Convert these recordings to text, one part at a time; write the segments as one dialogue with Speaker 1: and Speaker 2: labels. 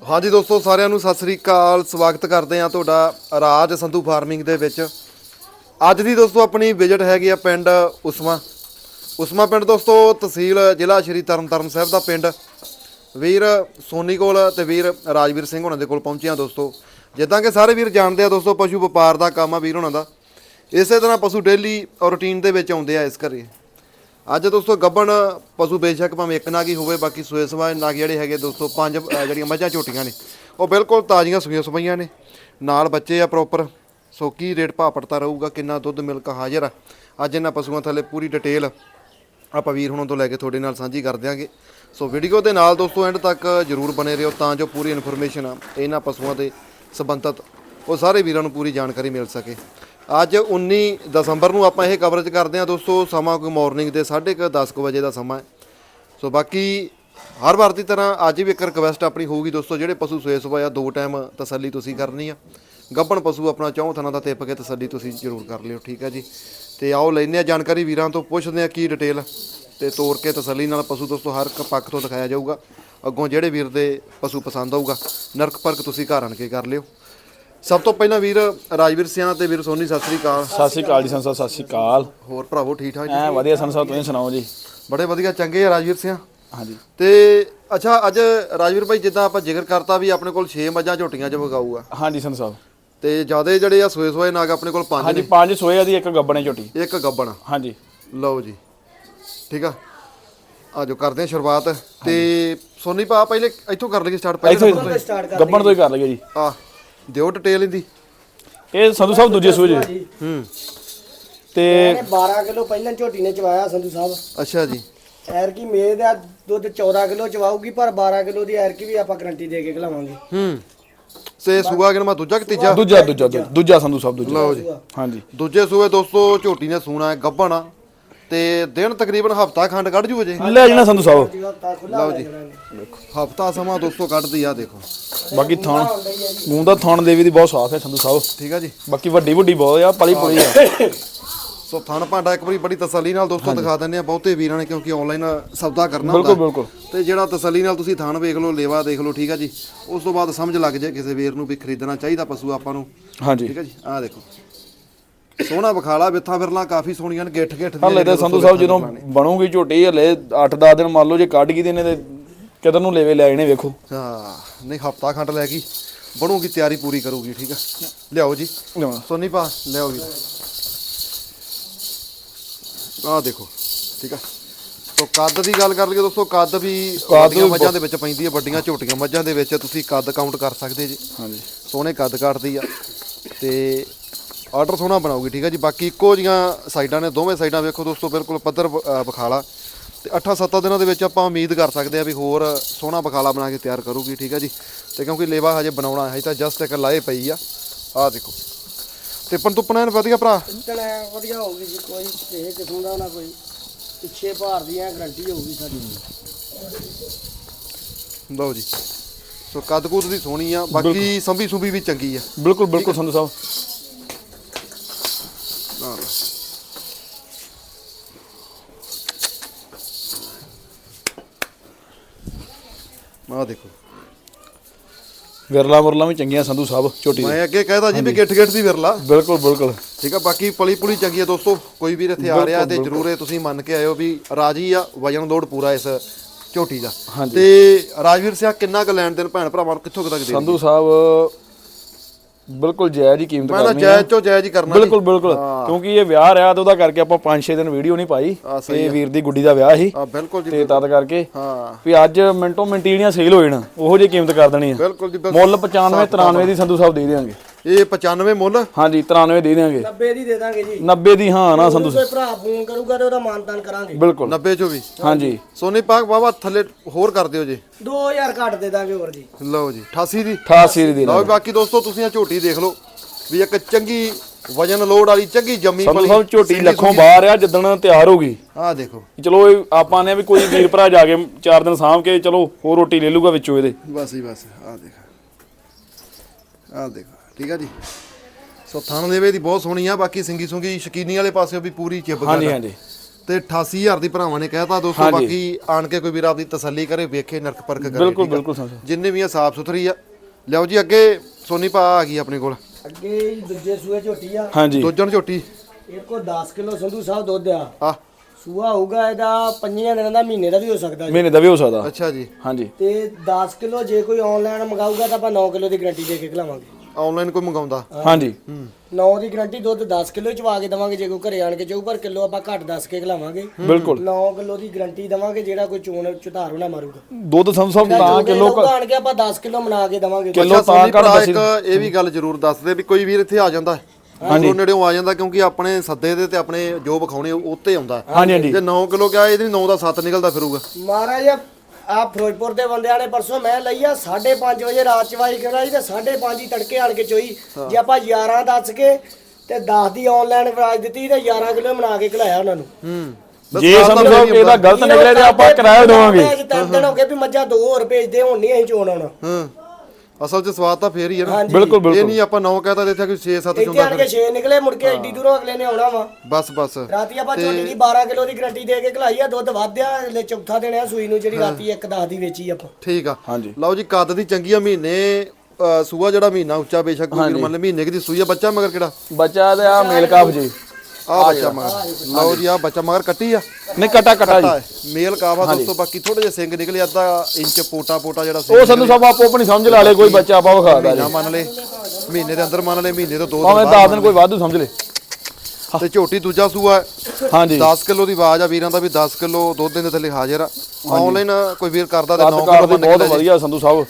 Speaker 1: हाँ जी दोस्तों साਰਿਆਂ ਨੂੰ ਸਤਿ ਸ੍ਰੀ ਅਕਾਲ ਸਵਾਗਤ ਕਰਦੇ ਆ ਤੁਹਾਡਾ ਰਾਜ ਸੰਧੂ ਫਾਰਮਿੰਗ ਦੇ ਵਿੱਚ। ਅੱਜ ਦੀ ਦੋਸਤੋ ਆਪਣੀ ਵਿਜ਼ਿਟ ਹੈਗੀ ਆ ਪਿੰਡ ਉਸਮਾ ਪਿੰਡ ਦੋਸਤੋ, ਤਹਿਸੀਲ ਜ਼ਿਲ੍ਹਾ ਸ਼੍ਰੀ ਤਰਨਤਾਰਨ ਸਾਹਿਬ ਦਾ ਪਿੰਡ। ਵੀਰ ਸੋਨੀ ਕੋਲ ਤੇ ਵੀਰ ਰਾਜਵੀਰ ਸਿੰਘ ਹੋਣਾ ਦੇ ਕੋਲ ਪਹੁੰਚੇ ਆ ਦੋਸਤੋ। ਜਿੱਦਾਂ ਕਿ ਸਾਰੇ ਵੀਰ ਜਾਣਦੇ ਆ ਦੋਸਤੋ, ਪਸ਼ੂ ਵਪਾਰ ਦਾ ਕੰਮ ਆ ਵੀਰ ਹੋਣਾ ਦਾ। ਇਸੇ ਤਰ੍ਹਾਂ ਪਸ਼ੂ ਡੇਲੀ ਰੂਟੀਨ ਦੇ ਵਿੱਚ ਆਉਂਦੇ ਆ ਇਸ ਘਰੇ। ਅੱਜ ਦੋਸਤੋ ਗੱਬਣ ਪਸ਼ੂ ਬੇਸ਼ੱਕ ਭਾਵੇਂ ਇੱਕ ਨਾਗ ਹੀ ਹੋਵੇ, ਬਾਕੀ ਸੂਏ ਸਵਾਏ ਨਾਗ ਜਿਹੜੇ ਹੈਗੇ ਦੋਸਤੋ ਪੰਜ ਜਿਹੜੀਆਂ ਮੱਝਾਂ ਝੋਟੀਆਂ ਨੇ ਉਹ ਬਿਲਕੁਲ ਤਾਜ਼ੀਆਂ ਸੂਈਆਂ ਸਵਾਈਆਂ ਨੇ, ਨਾਲ ਬੱਚੇ ਆ ਪ੍ਰੋਪਰ। ਸੋ ਕੀ ਰੇਟ ਭਾਅ ਪੜਤਾ ਰਹੂਗਾ, ਕਿੰਨਾ ਦੁੱਧ ਮਿਲਕ ਹਾਜ਼ਰ ਆ, ਅੱਜ ਇਹਨਾਂ ਪਸ਼ੂਆਂ ਥੱਲੇ ਪੂਰੀ ਡਿਟੇਲ ਆਪਾਂ ਵੀਰ ਹੁਣਾਂ ਤੋਂ ਲੈ ਕੇ ਤੁਹਾਡੇ ਨਾਲ ਸਾਂਝੀ ਕਰ ਦਿਆਂਗੇ। ਸੋ ਵੀਡੀਓ ਦੇ ਨਾਲ ਦੋਸਤੋ ਐਂਡ ਤੱਕ ਜ਼ਰੂਰ ਬਣੇ ਰਹੋ ਤਾਂ ਜੋ ਪੂਰੀ ਇਨਫੋਰਮੇਸ਼ਨ ਆ ਇਹਨਾਂ ਪਸ਼ੂਆਂ ਦੇ ਸੰਬੰਧਤ ਉਹ ਸਾਰੇ ਵੀਰਾਂ ਨੂੰ ਪੂਰੀ ਜਾਣਕਾਰੀ ਮਿਲ ਸਕੇ। ਅੱਜ 19 ਦਸੰਬਰ ਨੂੰ ਆਪਾਂ ਇਹ ਕਵਰੇਜ ਕਰਦੇ ਹਾਂ ਦੋਸਤੋ। ਸਮਾਂ ਕੋਈ ਮਾਰਨਿੰਗ ਦੇ 10:30 ਵਜੇ ਦਾ ਸਮਾਂ ਹੈ। ਸੋ ਬਾਕੀ ਹਰ ਵਾਰ ਦੀ ਤਰ੍ਹਾਂ ਅੱਜ ਵੀ ਇੱਕ ਰਿਕਵੈਸਟ ਆਪਣੀ ਹੋਊਗੀ ਦੋਸਤੋ, ਜਿਹੜੇ ਪਸ਼ੂ ਸੋਏ ਸਵਾਇਆ 2 ਟਾਈਮ ਤਸੱਲੀ ਤੁਸੀਂ ਕਰਨੀ ਆ। ਗੱਭਣ ਪਸ਼ੂ ਆਪਣਾ 4 ਥਣਾਂ ਦਾ ਤਿੱਪ ਕੇ ਤਸੱਲੀ ਤੁਸੀਂ ਜ਼ਰੂਰ ਕਰ ਲਿਓ, ਠੀਕ ਹੈ ਜੀ। ਤੇ ਆਓ ਲੈਂਦੇ ਆ ਜਾਣਕਾਰੀ ਵੀਰਾਂ ਤੋਂ, ਪੁੱਛਦੇ ਆ ਕੀ ਡਿਟੇਲ ਤੇ ਤੋੜ ਕੇ ਤਸੱਲੀ ਨਾਲ ਪਸ਼ੂ ਦੋਸਤੋ ਹਰ ਇੱਕ ਪੱਖ ਤੋਂ ਦਿਖਾਇਆ ਜਾਊਗਾ। ਅੱਗੋਂ ਜਿਹੜੇ ਵੀਰ ਦੇ ਪਸ਼ੂ ਪਸੰਦ ਆਊਗਾ ਨਰਕ ਪਰਖ ਤੁਸੀਂ ਘਰ ਆਣ ਕੇ ਕਰ ਲਿਓ। ਸਭ ਤੋਂ ਪਹਿਲਾਂ ਵੀਰ ਰਾਜਵੀਰ ਸਿੰਘ ਤੇ ਵੀਰ ਸੋਨੀ, ਸਤਿ ਸ੍ਰੀ ਅਕਾਲ।
Speaker 2: ਸਤਿ ਸ੍ਰੀ ਅਕਾਲ ਜੀ ਸੰਤ ਸਾਹਿਬ, ਸਤਿ ਸ੍ਰੀ ਅਕਾਲ।
Speaker 1: ਹੋਰ ਭਰਾਵੋ ਠੀਕ ਠਾਕ ਜੀ?
Speaker 2: ਐ ਵਧੀਆ ਸੰਤ ਸਾਹਿਬ, ਤੁਸੀਂ ਸੁਣਾਓ ਜੀ?
Speaker 1: ਬੜੇ ਵਧੀਆ ਚੰਗੇ ਆ ਰਾਜਵੀਰ ਸਿੰਘ।
Speaker 2: ਹਾਂਜੀ
Speaker 1: ਤੇ ਅੱਛਾ, ਅੱਜ ਰਾਜਵੀਰ ਭਾਈ ਜਿੱਦਾਂ ਆਪਾਂ ਜ਼ਿਕਰ ਕਰਤਾ ਵੀ ਆਪਣੇ ਕੋਲ 6 ਮੱਝਾਂ ਝੋਟੀਆਂ ਚ ਵਗਾਊਗਾ,
Speaker 2: ਹਾਂਜੀ ਸੰਤ ਸਾਹਿਬ।
Speaker 1: ਤੇ ਜਿਆਦਾ ਜਿਹੜੇ ਆ ਸੋਏ ਸੋਏ ਨਾਗ ਆਪਣੇ ਕੋਲ 5
Speaker 2: ਹਾਂਜੀ 5 ਸੋਏ ਦੀ, ਇੱਕ ਗੱਬਣੇ ਝੋਟੀ,
Speaker 1: ਇੱਕ ਗੱਬਣ।
Speaker 2: ਹਾਂਜੀ
Speaker 1: ਲਓ ਜੀ ਠੀਕ ਆ, ਆਜੋ ਕਰਦੇ ਆ ਸ਼ੁਰੂਆਤ। ਤੇ ਸੋਨੀ ਭਾ ਪਹਿਲੇ ਇੱਥੋਂ ਕਰ ਲਈਏ ਸਟਾਰਟ, ਪਹਿਲੇ
Speaker 2: ਗੱਬਣ ਤੋਂ ਹੀ ਕਰ ਲਈਏ ਜੀ।
Speaker 1: ਆ ਦਿਓ ਡਿਟੇਲ ਇਹਦੀ।
Speaker 2: ਇਹ ਸੰਧੂ ਸਾਹਿਬ ਦੂਜੇ ਸੂਏ ਜੀ। ਤੇ
Speaker 3: 12 ਕਿਲੋ ਪਹਿਲਾਂ ਝੋਟੀ ਨੇ ਚਵਾਇਆ ਸੰਧੂ ਸਾਹਿਬ।
Speaker 1: ਅੱਛਾ ਜੀ।
Speaker 3: ਐਰ ਕੀ ਮੇਦ ਦਾ ਦੁੱਧ 14 ਕਿਲੋ ਚਵਾਉਗੀ, ਪਰ 12 ਕਿਲੋ ਦੀ ਐਰ ਕੀ ਵੀ ਆਪਾਂ ਗਰੰਟੀ ਦੇ ਕੇ ਖਿਲਾਵਾਂਗੇ।
Speaker 1: ਤੇ ਸੂਆ ਕਿਨਮਾ ਦੂਜਾ ਕਿ ਤੀਜਾ?
Speaker 2: ਦੂਜਾ ਸੰਧੂ ਸਾਹਿਬ ਦੂਜਾ।
Speaker 1: ਲਓ ਜੀ
Speaker 2: ਹਾਂਜੀ
Speaker 1: ਦੂਜੇ ਸੂਏ ਦੋਸਤੋ ਝੋਟੀ ਨੇ ਸੂਣਾ ਹੈ, ਗੱਭਣ ਆ। ਤੇ ਦਿਨ ਤਕਰੀਬਨ ਹਫਤਾ ਖੰਡ ਕੱਢ ਜੂ ਅਜੇ।
Speaker 2: ਲੈ ਜਾਣਾ ਸੰਧੂ ਸਾਹਿਬ।
Speaker 1: ਲਓ ਜੀ ਹਫਤਾ ਸਮਾਂ ਦੋਸਤੋ ਕੱਢਦੀ ਆ, ਦੇਖੋ।
Speaker 2: ਬਾਕੀ ਥਣ ਮੂੰਹ ਦਾ ਥਣ ਦੇਵੀ ਦੀ ਬਹੁਤ ਸਾਫ਼ ਹੈ ਸੰਧੂ ਸਾਹਿਬ,
Speaker 1: ਠੀਕ ਆ ਜੀ।
Speaker 2: ਬਾਕੀ ਵੱਡੀ ਬਹੁਤ ਆ, ਪਲੀ ਪੁਲੀ ਆ।
Speaker 1: ਸੋ ਥਣ ਭਾਂਡਾ ਇੱਕ ਵਾਰੀ ਬੜੀ ਤਸੱਲੀ ਨਾਲ ਦੋਸਤੋ ਦਿਖਾ ਦਿੰਦੇ ਆ ਬਹੁਤੇ ਵੀਰਾਂ ਨੇ, ਕਿਉਂਕਿ ਆਨਲਾਈਨ ਸੌਦਾ ਕਰਨਾ ਹੁੰਦਾ।
Speaker 2: ਬਿਲਕੁਲ
Speaker 1: ਤੇ ਜਿਹੜਾ ਤਸੱਲੀ ਨਾਲ ਤੁਸੀਂ ਥਣ ਵੇਖ ਲਓ, ਲੇਵਾ ਦੇਖ ਲਓ, ਠੀਕ ਆ ਜੀ। ਉਸ ਤੋਂ ਬਾਅਦ ਸਮਝ ਲੱਗ ਜਾਏ ਕਿਸੇ ਵੀਰ ਨੂੰ ਵੀ ਖਰੀਦਣਾ ਚਾਹੀਦਾ ਪਸ਼ੂ ਆਪਾਂ ਨੂੰ,
Speaker 2: ਹਾਂਜੀ
Speaker 1: ਠੀਕ ਆ ਜੀ। ਆਹ ਦੇਖੋ ਸੋਹਣਾ ਵਿਖਾਲਾ, ਵਿੱਥਾਂ ਫਿਰਲਾਂ ਕਾਫੀ ਸੋਹਣੀਆਂ ਨੇ, ਗਿੱਠ
Speaker 2: ਹਲੇ ਤੇ ਸੰਧੂ ਸਾਹਿਬ ਜਦੋਂ ਬਣੂਗੀ ਝੋਟੀ ਹਲੇ 8-10 ਦਿਨ ਮੰਨ ਲਓ ਜੇ ਕੱਢ ਗਈ ਤੇ ਇਹਨੇ ਤੇ ਕਿਧਰ ਨੂੰ ਲੈਵੇ ਲੈ ਜਾਣੇ ਵੇਖੋ।
Speaker 1: ਹਾਂ ਨਹੀਂ ਹਫਤਾ ਖੰਡ ਲੈ ਗਈ, ਬਣੂਗੀ ਤਿਆਰੀ ਪੂਰੀ ਕਰੂਗੀ, ਠੀਕ ਆ। ਲਿਆਓ ਜੀ ਸੋਨੀ ਭਾ, ਲਿਆਓ ਜੀ। ਆਹ ਦੇਖੋ ਠੀਕ ਆ। ਤੋ ਕੱਦ ਦੀ ਗੱਲ ਕਰ ਲਈਏ ਦੋਸਤੋ, ਕੱਦ ਵੀ ਵੱਡੀਆਂ ਮੱਝਾਂ ਦੇ ਵਿੱਚ ਪੈਂਦੀ ਹੈ, ਵੱਡੀਆਂ ਝੋਟੀਆਂ ਮੱਝਾਂ ਦੇ ਵਿੱਚ ਤੁਸੀਂ ਕੱਦ ਕਾਊਂਟ ਕਰ ਸਕਦੇ ਜੀ।
Speaker 2: ਹਾਂਜੀ
Speaker 1: ਸੋਹਣੇ ਕੱਦ ਕੱਟਦੀ ਆ ਤੇ ਆਰਡਰ ਸੋਹਣਾ ਬਣਾਉਗੀ, ਠੀਕ ਆ ਜੀ। ਬਾਕੀ ਇੱਕੋ ਜੀਆਂ ਸਾਈਡਾਂ ਨੇ, ਦੋਵੇਂ ਸਾਈਡਾਂ ਵੇਖੋ ਦੋਸਤੋ ਬਿਲਕੁਲ ਪੱਧਰ ਬਖਾਲਾ। ਤੇ 8-7 ਦਿਨਾਂ ਦੇ ਵਿੱਚ ਆਪਾਂ ਉਮੀਦ ਕਰ ਸਕਦੇ ਆ ਵੀ ਹੋਰ ਸੋਹਣਾ ਬਖਾਲਾ ਬਣਾ ਕੇ ਤਿਆਰ ਕਰੂਗੀ, ਠੀਕ ਆ ਜੀ। ਤੇ ਕਿਉਂਕਿ ਲੇਵਾ ਹਜੇ ਬਣਾਉਣਾ ਹੈ ਤਾਂ ਜਸਟ ਇੱਕ ਲਾਏ ਪਈ ਆ। ਆਹ ਦੇਖੋ ਤੇ ਪੰਤੁਪਣਾ ਵਧੀਆ ਭਰਾ,
Speaker 3: ਵਧੀਆ ਹੋਊਗੀ ਜੀ, ਕੋਈ ਕਿਸੇ ਕਿਸਮ ਦਾ ਨਾ ਕੋਈ ਪਿੱਛੇ ਭਾਰ ਦੀ ਐ ਗਰੰਟੀ ਹੋਊਗੀ ਸਾਡੀ।
Speaker 1: ਲਓ ਜੀ ਸੋ ਕੱਦ ਕੁੱਦ ਦੀ ਸੋਹਣੀ ਆ, ਬਾਕੀ ਸੰਭੀ ਸੁੰਭੀ ਵੀ ਚੰਗੀ ਆ।
Speaker 2: ਬਿਲਕੁਲ ਸੰਧੂ ਸਾਹਿਬ।
Speaker 1: ਆਹ ਦੇਖੋ
Speaker 2: ਵਿਰਲਾ ਵੀ ਚੰਗੀਆਂ ਸੰਧੂ ਸਾਹਿਬ ਝੋਟੀ।
Speaker 1: ਮੈਂ ਅੱਗੇ ਕਹਿਦਾ ਜੀ ਵੀ ਗਿੱਠ ਦੀ ਵਿਰਲਾ।
Speaker 2: ਬਿਲਕੁਲ
Speaker 1: ਠੀਕ ਆ। ਬਾਕੀ ਪਲੀ ਪੁਲੀ ਚੰਗੀ ਆ ਦੋਸਤੋ। ਕੋਈ ਵੀ ਇੱਥੇ ਆ ਰਿਹਾ ਤੇ ਜ਼ਰੂਰ ਇਹ ਤੁਸੀਂ ਮੰਨ ਕੇ ਆਇਓ ਵੀ ਰਾਜੀ ਆ, ਵਜਨ ਲੋਡ ਪੂਰਾ ਇਸ ਝੋਟੀ ਦਾ। ਤੇ ਰਾਜਵੀਰ ਸਿੰਘ ਕਿੰਨਾ ਕੁ ਲੈਣ ਦੇਣ ਭੈਣ ਭਰਾਵਾਂ ਨੂੰ ਕਿੱਥੋਂ ਤੱਕ ਦੇ
Speaker 2: ਸੰਧੂ ਸਾਹਿਬ? ਬਿਲਕੁਲ ਜਾਇਜ਼ ਹੀ ਕੀਮਤ ਕਰਨੀ ਹੈ,
Speaker 1: ਜਾਇਜ਼ ਚੋਂ ਜਾਇਜ਼ ਹੀ ਕਰਨਾ।
Speaker 2: ਬਿਲਕੁਲ ਕਿਉਂਕਿ ਇਹ ਵਿਆਹ ਰਿਹਾ ਤੇ ਉਹਦਾ ਕਰਕੇ ਆਪਾਂ 5-6 ਦਿਨ ਵੀਡੀਓ ਨਹੀਂ ਪਾਈ। ਇਹ ਵੀਰ ਦੀ ਗੁੱਡੀ ਦਾ ਵਿਆਹ ਸੀ
Speaker 1: ਬਿਲਕੁਲ ਜੀ,
Speaker 2: ਤੇ ਤਦ ਕਰਕੇ
Speaker 1: ਹਾਂ
Speaker 2: ਵੀ ਅੱਜ ਮਿੰਟੋ ਮਿੰਟ ਜਿਹੜੀਆਂ ਸੇਲ ਹੋ ਜਾਣ ਉਹੋ ਜਿਹੀ ਕੀਮਤ ਕਰ ਦੇਣੀ ਆ।
Speaker 1: ਬਿਲਕੁਲ ਜੀ।
Speaker 2: ਮੁੱਲ 95-93 ਦੀ ਸੰਧੂ ਸਾਹਿਬ ਦੇ ਦੇਵਾਂਗੇ।
Speaker 1: ਇਹ 95 ਮੁੱਲ?
Speaker 2: ਹਾਂਜੀ 93 ਦੇ ਦੇਵਾਂਗੇ।
Speaker 3: 90 ਦੀ ਦੇ ਦਾਂਗੇ ਜੀ।
Speaker 2: 90 ਦੀ ਹਾਂ ਨਾ ਸੰਧੂ ਸਾਹਿਬ?
Speaker 3: ਕੋਈ ਭਰਾ ਫੋਨ ਕਰੂਗਾ ਤੇ ਉਹਦਾ ਮਾਨਤਾਨ ਕਰਾਂਗੇ।
Speaker 2: ਬਿਲਕੁਲ
Speaker 1: 90 ਚੋਂ ਵੀ।
Speaker 2: ਹਾਂਜੀ
Speaker 1: ਸੋਨੀ ਪਾਕ ਬਾਬਾ ਥੱਲੇ ਹੋਰ ਕਰ ਦਿਓ ਜੀ,
Speaker 3: 2000 ਘੱਟ ਦੇ ਦਾਂਗੇ ਹੋਰ ਜੀ।
Speaker 1: ਲਓ ਜੀ 88 ਦੀ।
Speaker 2: 88 ਦੀ
Speaker 1: ਲਓ ਬਾਕੀ ਦੋਸਤੋ ਤੁਸੀਂ ਆ ਝੋਟੀ ਦੇਖ ਲਓ ਵੀ ਇੱਕ ਚੰਗੀ ਵਜਨ ਲੋਡ ਵਾਲੀ ਚੰਗੀ ਜੰਮੀ
Speaker 2: ਸੰਧੂ ਸਾਹਿਬ ਝੋਟੀ ਲੱਖੋਂ ਬਾਹਰ ਆ, ਜਿੱਦਣ ਤਿਆਰ ਹੋ ਗਈ।
Speaker 1: ਆਹ ਦੇਖੋ
Speaker 2: ਚਲੋ ਆਪਾਂ ਨੇ ਵੀ ਕੋਈ ਵੀਰ ਭਰਾ ਜਾ ਕੇ 4 ਦਿਨ ਸਾਂਭ ਕੇ ਚਲੋ ਹੋਰ ਰੋਟੀ ਲੈ ਲੂਗਾ ਵਿੱਚੋਂ ਇਹਦੇ।
Speaker 1: ਬਸ ਹੀ ਬਸ। ਆਹ ਦੇਖੋ ਠੀਕ ਆ ਜੀ। ਸੋ ਥਣ ਦੇਵੇ ਦੀ ਬਹੁਤ ਸੋਹਣੀ ਆ, ਬਾਕੀ ਸਿੰਗੀ ਸੁੰਗੀ ਸ਼ਕੀਨੀ ਵਾਲੇ ਪਾਸਿਓਂ ਵੀ ਪੂਰੀ ਚਿੱਬ।
Speaker 2: ਹਾਂਜੀ
Speaker 1: ਤੇ 88000 ਦੀ ਭਰਾਵਾਂ ਨੇ ਕਹਿਤਾ ਦੋਸਤੋ।
Speaker 2: ਹਾਂਜੀ।
Speaker 1: ਬਾਕੀ ਆਣ ਕੇ ਕੋਈ ਵੀਰ ਆਪਦੀ ਤਸੱਲੀ ਕਰੇ, ਵੇਖੇ, ਨਰਕ ਪਰਖ ਕਰੇ।
Speaker 2: ਬਿਲਕੁਲ
Speaker 1: ਠੀਕ ਆ?
Speaker 2: ਬਿਲकुल ਸੰਧੂ
Speaker 1: ਜਿੰਨੇ ਵੀ ਆ ਸਾਫ ਸੁਥਰੀ ਆ। ਲਿਆਓ ਜੀ ਅੱਗੇ ਸੋਨੀ ਭਾ ਆ ਗਈ ਆਪਣੇ ਕੋਲ,
Speaker 3: ਅੱਗੇ ਜੀ ਦੂਜੇ ਸੂਏ ਝੋਟੀ ਆ,
Speaker 2: ਹਾਂਜੀ
Speaker 1: ਦੋਜਣ ਝੋਟੀ
Speaker 3: ਇਹ ਕੋ 10 ਕਿਲੋ ਸੰਧੂ ਸਾਹਿਬ ਦੁੱਧ ਆ।
Speaker 1: ਆ।
Speaker 3: ਸੂਆ ਹੋਊਗਾ ਇਹਦਾ 5 ਦਿਨਾਂ ਦਾ, ਮਹੀਨੇ ਦਾ ਵੀ ਹੋ ਸਕਦਾ ਜੀ।
Speaker 2: ਮਹੀਨੇ ਦਾ ਵੀ ਹੋ ਸਕਦਾ।
Speaker 1: ਅੱਛਾ ਜੀ।
Speaker 2: ਹਾਂਜੀ
Speaker 3: ਤੇ 10 ਕਿਲੋ ਜੇ ਕੋਈ ਆਨਲਾਈਨ ਮੰਗਾਊਗਾ ਤਾਂ ਆਪਾਂ 9 ਕਿਲੋ ਦੀ ਗਾਰੰਟੀ ਦੇ ਕੇ ਖਿਲਾਵਾਂਗੇ।
Speaker 1: ਆਨਲਾਈਨ ਕੋਈ ਮੰਗਾਉਂਦਾ?
Speaker 2: ਹਾਂਜੀ
Speaker 3: 9 ਦੀ ਗਾਰੰਟੀ, ਦੁੱਧ 10 ਕਿਲੋ ਚਵਾ ਕੇ ਦਵਾਂਗੇ। ਜੇ ਕੋਈ ਘਰੇ ਆਣ ਕੇ ਚਾਹੂ, ਪਰ ਕਿਲੋ ਆਪਾਂ ਘੱਟ ਦੱਸ ਕੇ ਖਿਲਾਵਾਂਗੇ।
Speaker 2: ਬਿਲਕੁਲ
Speaker 3: 9 ਕਿਲੋ ਦੀ ਗਾਰੰਟੀ ਦਵਾਂਗੇ, ਜਿਹੜਾ ਕੋਈ ਚੋਣ ਚੁਧਾਰ ਨਾ ਮਾਰੂਗਾ।
Speaker 2: ਦੁੱਧ ਸੰਧੂ ਸਾਹਿਬ ਤਾਂ ਕਿਲੋ
Speaker 3: ਆਣ ਕੇ ਆਪਾਂ 10 ਕਿਲੋ ਬਣਾ ਕੇ ਦਵਾਂਗੇ।
Speaker 2: ਕਿਲੋ
Speaker 1: ਅੱਛਾ,
Speaker 2: ਤਾਂ
Speaker 1: ਸੋਨੀ
Speaker 2: ਘੱਟ
Speaker 1: ਭਰਾ
Speaker 2: ਦੱਸੀ।
Speaker 1: ਇੱਕ ਇਹ ਵੀ ਗੱਲ ਜ਼ਰੂਰ ਦੱਸਦੇ ਵੀ ਕੋਈ ਵੀਰ ਇੱਥੇ ਆ ਜਾਂਦਾ ਹਾਂਜੀ ਨੇੜਿਓਂ ਆ ਜਾਂਦਾ, ਕਿਉਂਕਿ ਆਪਣੇ ਸੱਦੇ ਦੇ ਤੇ ਆਪਣੇ ਜੋ ਵਿਖਾਉਣੇ ਉੱਤੇ ਆਉਂਦਾ।
Speaker 2: ਹਾਂਜੀ ਹਾਂਜੀ
Speaker 1: ਜੇ 9 ਕਿਲੋ ਕਿਹਾ ਇਹਦੀ 9 ਦਾ 7 ਨਿਕਲਦਾ ਫਿਰੂਗਾ।
Speaker 3: ਮਹਾਰਾਜ ਆ ਫਿਰੋਜ਼ਪੁਰ ਦੇ ਬੰਦਿਆਂ ਨੇ ਪਰਸੋਂ ਮੈਂ ਲਈ ਆ 5:30 ਵਜੇ ਰਾਤ ਚਵਾਈ ਕਰਾਈ ਤੇ 5:30 ਹੀ ਤੜਕੇ ਆਣ ਕੇ ਚੋਈ। ਜੇ ਆਪਾਂ 11 ਦੱਸ ਕੇ ਤੇ 10 ਦੀ ਆਨਲਾਈਨ ਵਿਰਾਜ ਦਿੱਤੀ ਤੇ 11 ਕਿਲੋ ਬਣਾ ਕੇ ਖਿਲਾਇਆ ਉਹਨਾਂ ਨੂੰ।
Speaker 2: ਜੇ ਸੰਧੂ ਸਾਹਿਬ ਇਹਦਾ ਗਲਤ ਨਿਕਲੇ ਤੇ ਆਪਾਂ ਕਿਰਾਇਆ ਦੇਵਾਂਗੇ।
Speaker 3: ਅੱਜ 3 ਦਿਨ ਹੋ ਗਏ ਵੀ ਮੱਝਾਂ 2 ਹੋਰ ਭੇਜਦੇ, ਹੁਣ ਨਹੀਂ ਅਸੀਂ ਚੋਣ ਆਉਣਾ।
Speaker 1: ਹਾਂ ਅਸਲ 'ਚ ਸਵਾਦ ਤਾਂ ਫੇਰ ਹੀ ਹੈ ਨਾ।
Speaker 3: ਹਾਂਜੀ।
Speaker 2: ਬਿਲਕੁਲ
Speaker 1: ਇਹ
Speaker 2: ਬਿਲकुल
Speaker 1: ਨਹੀਂ ਆਪਾਂ 9 ਕਹਤਾ ਤੇ ਇੱਥੇ ਕੋਈ 6-7
Speaker 3: ਇੱਥੇ
Speaker 1: ਚੁੰਦਾ
Speaker 3: ਆਣ ਕੇ 6 ਨਿਕਲੇ, ਮੁੜ ਕੇ ਏਡੀ ਦੂਰੋਂ ਅਗਲੇ ਨੇ ਆਉਣਾ ਵਾ।
Speaker 1: ਬਸ
Speaker 3: ਰਾਤੀ ਆਪਾਂ ਝੋਟੀ ਦੀ 12 ਕਿਲੋ ਦੀ ਗਰੰਟੀ ਦੇ ਕੇ ਖਲਾਈ ਆ। ਦੁੱਧ ਵਧਿਆ ਲੈ ਚੌਥਾ ਦਿਨ ਆ ਸੂਈ ਨੂੰ, ਜਿਹੜੀ ਰਾਤੀ 1:10 ਦੀ ਵੇਚੀ ਆਪਾਂ।
Speaker 1: ਠੀਕ ਆ।
Speaker 2: ਹਾਂਜੀ
Speaker 1: ਲਓ ਜੀ ਕੱਦ ਦੀ ਚੰਗੀ ਆ। ਮਹੀਨੇ ਸੂਆ ਜਿਹੜਾ ਮਹੀਨਾ ਉੱਚਾ ਬੇਸ਼ੱਕ ਕੋਈ ਮੰਨ ਲੈ ਮਹੀਨੇ ਦੀ ਸੂਈ ਆ। ਬੱਚਾ ਮਗਰ ਕਿਹੜਾ?
Speaker 2: ਬੱਚਾ ਤੇ ਆ ਮੇਲ ਕਾਫ ਜੀ।
Speaker 1: ਆ ਬੱਚਾ ਮਗਰ। ਲਓ ਜੀ ਆ ਬੱਚਾ ਮਗਰ ਕੱਟੀ ਆ।
Speaker 2: ਨਹੀਂ ਕਟਾ ਜੀ
Speaker 1: ਮੇਲ ਕਾਫਾ ਦੋਸਤੋ। ਬਾਕੀ ਥੋੜੇ ਜਿਹੇ ਸਿੰਘ ਨਿਕਲੇ, ਅੱਧਾ ਇੰਚ ਪੋਟਾ ਜਿਹੜਾ
Speaker 2: ਉਹ ਸੰਧੂ ਸਾਹਿਬ ਆਪੋ ਆਪਣੀ ਸਮਝ ਲਾ ਲੇ। ਕੋਈ ਬੱਚਾ ਆਪਾਂ ਵਿਖਾਦਾ ਜੀ,
Speaker 1: ਮੰਨ ਲੈ ਮਹੀਨੇ ਦੇ ਅੰਦਰ, ਮੰਨ ਲੈ ਮਹੀਨੇ ਤੋਂ 2
Speaker 2: ਭਾਵੇਂ 10 ਦਿਨ ਕੋਈ ਵਾਧੂ ਸਮਝ ਲੇ।
Speaker 1: ਤੇ ਝੋਟੀ ਦੂਜਾ ਸੂਆ ਹੈ।
Speaker 2: ਹਾਂਜੀ
Speaker 1: 10 ਕਿਲੋ ਦੀ ਆਵਾਜ਼ ਆ ਵੀਰਾਂ ਦਾ ਵੀ 10 ਕਿਲੋ ਦੁੱਧ ਦੇ ਥੱਲੇ ਹਾਜ਼ਰ ਆ। ਆਨਲਾਈਨ ਕੋਈ ਵੀਰ ਕਰਦਾ ਤੇ 9
Speaker 2: ਕੱਦ
Speaker 1: ਕਿਲੋ
Speaker 2: ਕਾਠ ਬਹੁਤ ਵਧੀਆ ਸੰਧੂ ਸਾਹਿਬ।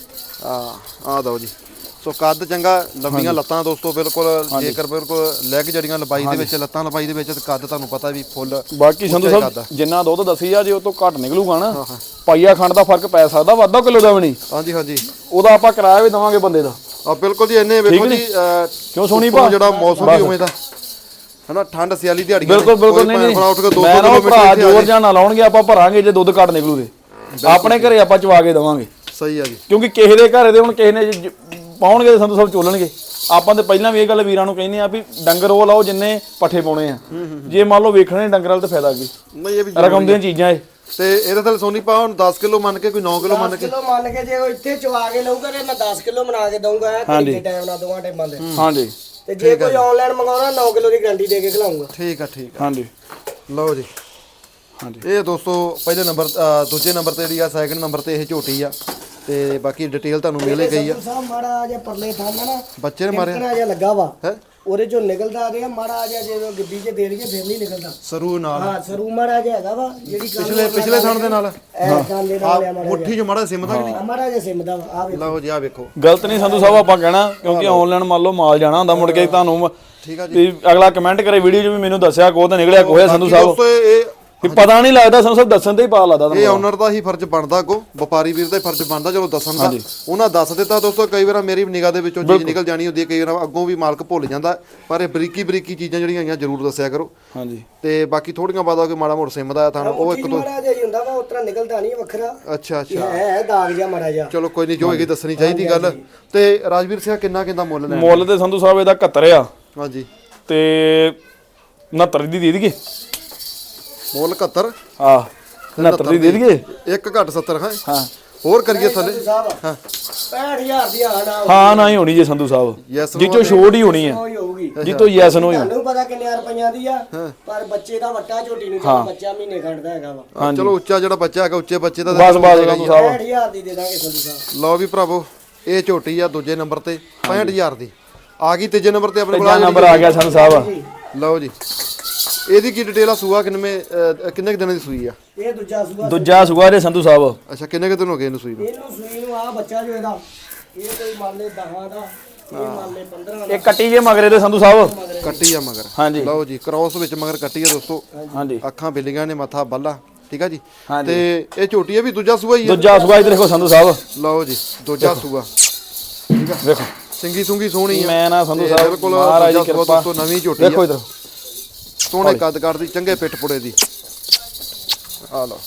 Speaker 1: ਆ ਦੋ ਜੀ। ਸੋ ਕੱਦ ਚੰਗਾ, ਲੰਬੀਆਂ ਲੱਤਾਂ ਦੋਸਤੋ ਬਿਲਕੁਲ। ਜੇਕਰ ਬਿਲਕੁਲ ਲੈਗ ਜੜੀਆਂ ਲੰਬਾਈ ਦੇ ਵਿੱਚ, ਲੱਤਾਂ ਲੰਬਾਈ ਦੇ ਵਿੱਚ, ਤੇ ਕੱਦ ਤੁਹਾਨੂੰ ਪਤਾ ਵੀ ਫੁੱਲ।
Speaker 2: ਬਾਕੀ ਸੰਧੂ ਸਾਹਿਬ ਜਿੰਨਾ ਦੁੱਧ ਦੱਸੀ ਆ, ਜੇ ਉਹ ਤੋਂ ਘੱਟ ਨਿਕਲੂਗਾ ਨਾ, ਪਾਈਆ ਖੰਡ ਦਾ ਫਰਕ ਪੈ ਸਕਦਾ, ਵਾਧਾ ਕਿਲੋ ਦਾ ਵੀ ਨਹੀਂ।
Speaker 1: ਹਾਂਜੀ ਹਾਂਜੀ
Speaker 2: ਉਹਦਾ ਆਪਾਂ ਕਿਰਾਇਆ ਵੀ ਦਵਾਂਗੇ ਬੰਦੇ ਦਾ।
Speaker 1: ਆ ਬਿਲਕੁਲ ਜੀ। ਇੰਨੇ ਵੇਖੋ ਜੀ
Speaker 2: ਕਿਉਂ ਸੋਹਣੀ
Speaker 1: ਉੱਪਰੋਂ ਜਿਹੜਾ ਮੌਸਮ ਵੀ ਉਵੇਂ ਦਾ ਹਨਾ, ਠੰਡ ਸਿਆਲੀ ਦਿਹਾੜੀਆਂ
Speaker 2: ਬਿਲਕੁਲ ਬਿਲਕੁਲ। ਨਹੀਂ ਨਹੀਂ
Speaker 1: ਉੱਠ ਕੇ 2
Speaker 2: ਮੈਂ ਨਾ
Speaker 1: ਕਿਲੋਮੀਟਰ
Speaker 2: ਭਰਾ ਜੋਰ ਜਾਂ ਨਾ ਲਾਉਣਗੇ, ਆਪਾਂ ਭਰਾਂਗੇ ਜੇ ਦੁੱਧ ਘੱਟ ਨਿਕਲੂ ਤੇ ਆਪਣੇ ਘਰੇ ਆਪਾਂ ਚਵਾ ਕੇ ਦਵਾਂਗੇ।
Speaker 1: ਸਹੀ ਆ ਜੀ।
Speaker 2: ਕਿਉਂਕਿ ਕਿਸੇ ਦੇ ਘਰੇ ਦੇ ਹੁਣ ਕਿਸੇ ਨੇ ਪਾਉਣਗੇ ਸੰਧੂ ਸਾਹਿਬ ਚੋਲਣਗੇ। ਆਪਾਂ ਤੇ ਪਹਿਲਾਂ ਵੀ ਇਹ ਗੱਲ ਵੀਰਾਂ ਨੂੰ ਕਹਿੰਦੇ ਆ ਵੀ ਡੰਗਰ ਉਹ ਲਾਓ ਜਿੰਨੇ ਪੱਠੇ ਪਾਉਣੇ ਆ। ਜੇ ਮੰਨ ਲਓ ਵੇਖਣੇ ਡੰਗਰ ਵਾਲ ਤਾਂ ਫਾਇਦਾ ਕੀ,
Speaker 1: ਨਹੀਂ ਇਹ ਵੀ
Speaker 2: ਰਕਮ ਦੀਆਂ ਚੀਜ਼ਾਂ ਇਹ।
Speaker 1: ਤੇ ਇਹਦੇ ਥੱਲੇ ਸੋਨੀ ਪਾ ਹੁਣ 10 ਕਿਲੋ ਮੰਨ ਕੇ, ਕੋਈ 9 ਕਿਲੋ ਮੰਨ
Speaker 3: 10
Speaker 1: ਕੇ।
Speaker 3: ਕਿਲੋ ਮੰਨ ਕੇ ਜੇ ਉਹ ਇੱਥੇ ਚਵਾ ਕੇ ਲਊਗਾ ਤੇ ਮੈਂ 10 ਕਿਲੋ ਬਣਾ ਕੇ ਦਊਂਗਾ। ਕਿੰਨੇ ਟਾਈਮ ਨਾਲ ਦੋਵਾਂ ਟਾਈਮਾਂ ਦੇ।
Speaker 2: ਹਾਂਜੀ
Speaker 3: ਤੇ ਜੇ ਕੋਈ ਆਨਲਾਈਨ ਮੰਗਾਉਣਾ 9 ਕਿਲੋ ਦੀ ਗਾਰੰਟੀ ਦੇ ਕੇ ਖਿਲਾਉਂਗਾ।
Speaker 1: ਠੀਕ ਆ ਠੀਕ ਆ।
Speaker 2: ਹਾਂਜੀ
Speaker 1: ਲਓ ਜੀ।
Speaker 2: ਹਾਂਜੀ
Speaker 1: ਇਹ ਦੋਸਤੋ ਪਹਿਲੇ ਨੰਬਰ ਦੂਜੇ ਨੰਬਰ ਤੇ ਜਿਹੜੀ ਆ, ਸੈਕਿੰਡ ਨੰਬਰ ਤੇ ਇਹ ਝੋਟੀ ਆ। ਤੇ ਬਾਕੀ ਡਿਟੇਲ ਤੁਹਾਨੂੰ ਮਿਲ ਗਈ ਆ।
Speaker 3: ਸਾਹਿਬ ਮਾੜਾ ਜਿਹਾ ਪਰਲੇ ਥਾਂ ਨਾ
Speaker 1: ਬੱਚੇ ਨੇ ਮਾਰਿਆ
Speaker 3: ਕਿੰਨਾ ਜਿਹਾ ਲੱਗਾ ਵਾ
Speaker 1: ਹੈ,
Speaker 3: ਉਹਦੇ ਚੋਂ ਨਿਕਲਦਾ ਰਿਹਾ ਮਾੜਾ ਜਿਹਾ। ਜੇ ਉਹ ਗੱਡੀ 'ਚ ਦੇ ਲਈਏ ਫਿਰ ਨਹੀਂ ਨਿਕਲਦਾ।
Speaker 1: ਸਰੂ ਨਾਲ
Speaker 3: ਹਾਂ ਸਰੂ ਮਾੜਾ ਜਿਹਾ ਹੈਗਾ ਵਾ, ਜਿਹੜੀ
Speaker 1: ਪਿਛਲੇ ਥਣ ਦੇ ਨਾਲ
Speaker 3: ਥਾਂ ਦੇ ਨਾਲ ਆ ਮਾੜਾ
Speaker 1: ਮੁੱਠੀ ਚ ਮਾੜਾ ਸਿਮਦਾ ਕਿ ਨਹੀਂ।
Speaker 3: ਜਿਹਾ। ਮਾੜਾ ਜਿਹਾ ਸਿਮਦਾ ਵਾ। ਆ ਵੇਖੋ।
Speaker 1: ਲਓ ਜੀ ਆ ਵੇਖੋ।
Speaker 2: ਗਲਤ ਨਹੀਂ ਸੰਧੂ ਸਾਹਿਬ ਆਪਾਂ ਕਹਿਣਾ, ਕਿਉਂਕਿ ਆਨਲਾਈਨ ਮੰਨ ਲਓ ਮਾਲ ਜਾਣਾ ਹੁੰਦਾ, ਮੁੜ ਕੇ ਤੁਹਾਨੂੰ
Speaker 1: ਠੀਕ ਆ ਜੀ।
Speaker 2: ਵੀ ਅਗਲਾ ਕਮੈਂਟ ਕਰੇ ਵੀਡੀਓ 'ਚ ਵੀ ਮੈਨੂੰ ਦੱਸਿਆ ਕੋਹ ਤਾਂ ਨਿਕਲਿਆ ਕੋਹ ਸੰਧੂ ਸਾਹਿਬ।
Speaker 1: ਦੋਸਤੋ ਇਹ
Speaker 2: ਵੀ ਪਤਾ ਨਹੀਂ ਲੱਗਦਾ ਸੰਧੂ ਸਾਹਿਬ, ਦੱਸਣ ਤੇ ਹੀ ਪਤਾ ਲੱਗਦਾ
Speaker 1: ਇਹ
Speaker 2: ਤੁਹਾਨੂੰ।
Speaker 1: ਓਨਰ ਦਾ ਹੀ ਫਰਜ਼ ਬਣਦਾ, ਅੱਗੋਂ ਵਪਾਰੀ ਵੀਰ ਦਾ ਹੀ ਫਰਜ਼ ਬਣਦਾ ਚਲੋ ਦੱਸਣ ਦਾ। ਉਹਨਾਂ ਦੱਸ ਦਿੱਤਾ ਦੋਸਤੋ। ਕਈ ਵਾਰ ਮੇਰੀ ਨਿਗਾਹ ਦੇ ਵਿੱਚੋਂ ਚੀਜ਼ ਨਿਕਲ ਜਾਣੀ ਹੁੰਦੀ ਹੈ, ਕਈ ਵਾਰ ਅੱਗੋਂ ਵੀ ਮਾਲਕ ਭੁੱਲ ਜਾਂਦਾ, ਪਰ ਇਹ ਬਰੀਕੀ ਚੀਜ਼ਾਂ ਜਿਹੜੀਆਂ ਆਈਆਂ ਜ਼ਰੂਰ ਦੱਸਿਆ ਕਰੋ।
Speaker 2: ਹਾਂਜੀ
Speaker 1: ਤੇ ਬਾਕੀ ਥੋੜੀਆਂ ਬਾਤਾਂ ਕਿ ਮਾੜਾ ਮੋੜ ਸਿਮਦਾ ਥਾਂ ਉਹ ਇੱਕ ਦੋ।
Speaker 3: ਮਾੜਾ ਜਿਹਾ ਹੀ ਹੁੰਦਾ ਵਾ, ਉਤਰਾ ਨਿਕਲਦਾ ਨਹੀਂ ਵੱਖਰਾ।
Speaker 1: ਅੱਛਾ
Speaker 3: ਹੈ ਦਾਗ ਜਿਹਾ ਮਾੜਾ ਜਿਹਾ।
Speaker 1: ਚਲੋ ਕੋਈ ਨਹੀਂ, ਜੋ ਹੈਗੀ ਦੱਸਣੀ ਚਾਹੀਦੀ ਗੱਲ। ਤੇ ਰਾਜਵੀਰ ਸਿੰਘ ਕਿੰਨਾ ਮੁੱਲ ਲੈਣਾ?
Speaker 2: ਮੁੱਲ ਤੇ ਸੰਧੂ ਸਾਹਿਬ ਇਹਦਾ 71 ਆ
Speaker 1: ਹਾਂਜੀ
Speaker 2: ਤੇ 69 ਦੀ ਦੇ ਦਈਏ।
Speaker 1: ਮੁੱਲ 71
Speaker 2: ਹਾਂ 69 ਦੀ ਦੇ ਦਈਏ।
Speaker 1: ਇੱਕ ਘੱਟ 70 ਹੈ।
Speaker 2: ਹਾਂ
Speaker 1: ਹੋਰ ਕਰੀਏ ਥੱਲੇ।
Speaker 3: ਹਾਂ 65000 ਦੀ
Speaker 2: ਹਾਂ ਨਾ ਹੀ ਹੋਣੀ ਜੇ ਸੰਧੂ ਸਾਹਿਬ,
Speaker 1: ਯੈਸ
Speaker 2: ਜਿੱਚੋ ਛੋੜ ਹੀ ਹੋਣੀ ਹੈ,
Speaker 3: ਹੋਈ ਹੋਊਗੀ।
Speaker 2: ਜਿੱਤੋਂ ਯੈਸ ਨੋ ਹੀ।
Speaker 3: ਤੁਹਾਨੂੰ ਪਤਾ ਕਿੰਨੇ ਰੁਪਈਆਂ ਦੀ ਆ, ਪਰ ਬੱਚੇ ਦਾ ਵੱਟਾ ਝੋਟੀ ਨੂੰ ਜਿਹੜਾ ਬੱਚਾ ਮਹੀਨੇ ਖੰਡਦਾ ਹੈਗਾ ਵਾ।
Speaker 1: ਚਲੋ ਉੱਚਾ ਜਿਹੜਾ ਬੱਚਾ ਹੈਗਾ, ਉੱਚੇ ਬੱਚੇ ਦਾ
Speaker 2: ਬਸ ਸੰਧੂ ਸਾਹਿਬ
Speaker 3: 65000 ਦੀ ਦੇ ਦਾਂਗੇ ਸੰਧੂ ਸਾਹਿਬ।
Speaker 1: ਲਓ ਵੀ ਭਰਾਵੋ, ਇਹ ਝੋਟੀ ਆ ਦੂਜੇ ਨੰਬਰ ਤੇ 65000 ਦੀ ਆ ਗਈ। ਤੀਜੇ ਨੰਬਰ ਤੇ ਆਪਣੇ
Speaker 2: ਤੀਜਾ ਨੰਬਰ ਆ ਗਿਆ ਸੰਧੂ ਸਾਹਿਬ।
Speaker 1: ਲਓ ਜੀ ਇਹਦੀ ਕੀ ਡਿਟੇਲ ਆ? ਸੂਆ ਕਿੰਨੇ ਕੁ ਦਿਨਾਂ ਦੀ ਸੂਈ ਆ?
Speaker 3: ਇਹ ਦੂਜਾ ਸੂਆ।
Speaker 2: ਦੂਜਾ ਸੂਆ ਦੇ ਸੰਧੂ ਸਾਹਿਬ।
Speaker 1: ਅੱਛਾ ਕਿੰਨੇ ਕੁ ਦਿਨ ਹੋ ਗਏ ਇਹਨੂੰ ਸੂਈ ਨੂੰ?
Speaker 3: ਇਹਨੂੰ ਸੂਈ ਨੂੰ ਆ ਬੱਚਾ ਜੋ ਇਹਦਾ, ਇਹ ਕੋਈ ਮੰਨ ਲੈ 10 ਦਾ, ਇਹ ਮੰਨ ਲੈ 15 ਦਾ।
Speaker 2: ਇਹ ਕੱਟੀ ਜੇ ਮਗਰੇ ਦੇ ਸੰਧੂ ਸਾਹਿਬ।
Speaker 1: ਕੱਟੀ ਆ ਮਗਰ।
Speaker 2: ਹਾਂਜੀ
Speaker 1: ਲਓ ਜੀ ਕ੍ਰੋਸ ਵਿੱਚ ਮਗਰ ਕੱਟੀ ਆ ਦੋਸਤੋ।
Speaker 2: ਹਾਂਜੀ
Speaker 1: ਅੱਖਾਂ ਬਿੱਲੀਆਂ ਨੇ, ਮੱਥਾ ਬੱਲਾ। ਠੀਕ ਆ ਜੀ।
Speaker 2: ਹਾਂਜੀ।
Speaker 1: ਤੇ ਇਹ ਝੋਟੀ ਆ ਵੀ ਦੂਜਾ ਸੂਆ ਹੀ ਆ?
Speaker 2: ਦੂਜਾ ਸੂਆ ਇਧਰ ਦੇਖੋ ਸੰਧੂ ਸਾਹਿਬ।
Speaker 1: ਲਓ ਜੀ ਦੂਜਾ ਸੂਆ। ਠੀਕ ਆ
Speaker 2: ਵੇਖੋ
Speaker 1: ਸਿੰਗੀ ਸੁੰਗੀ ਸੋਹਣੀ ਆ।
Speaker 2: ਮੈਂ ਨਾ ਸੰਧੂ ਸਾਹਿਬ
Speaker 1: ਬਿਲਕੁਲ
Speaker 2: ਮਹਾਰਾਜ ਦੀ ਕਿਰਪਾ।
Speaker 1: ਦੋਸਤੋ ਨਵੀਂ ਝੋਟੀ
Speaker 2: ਦੇਖੋ
Speaker 1: ਆ,
Speaker 2: ਇਧਰ
Speaker 1: ਸੋਹਣੇ ਕੱਦ ਕਰਦੀ, ਚੰਗੇ ਪਿੱਠ ਪੁੜੇ ਦੀ। ਆ ਲਓ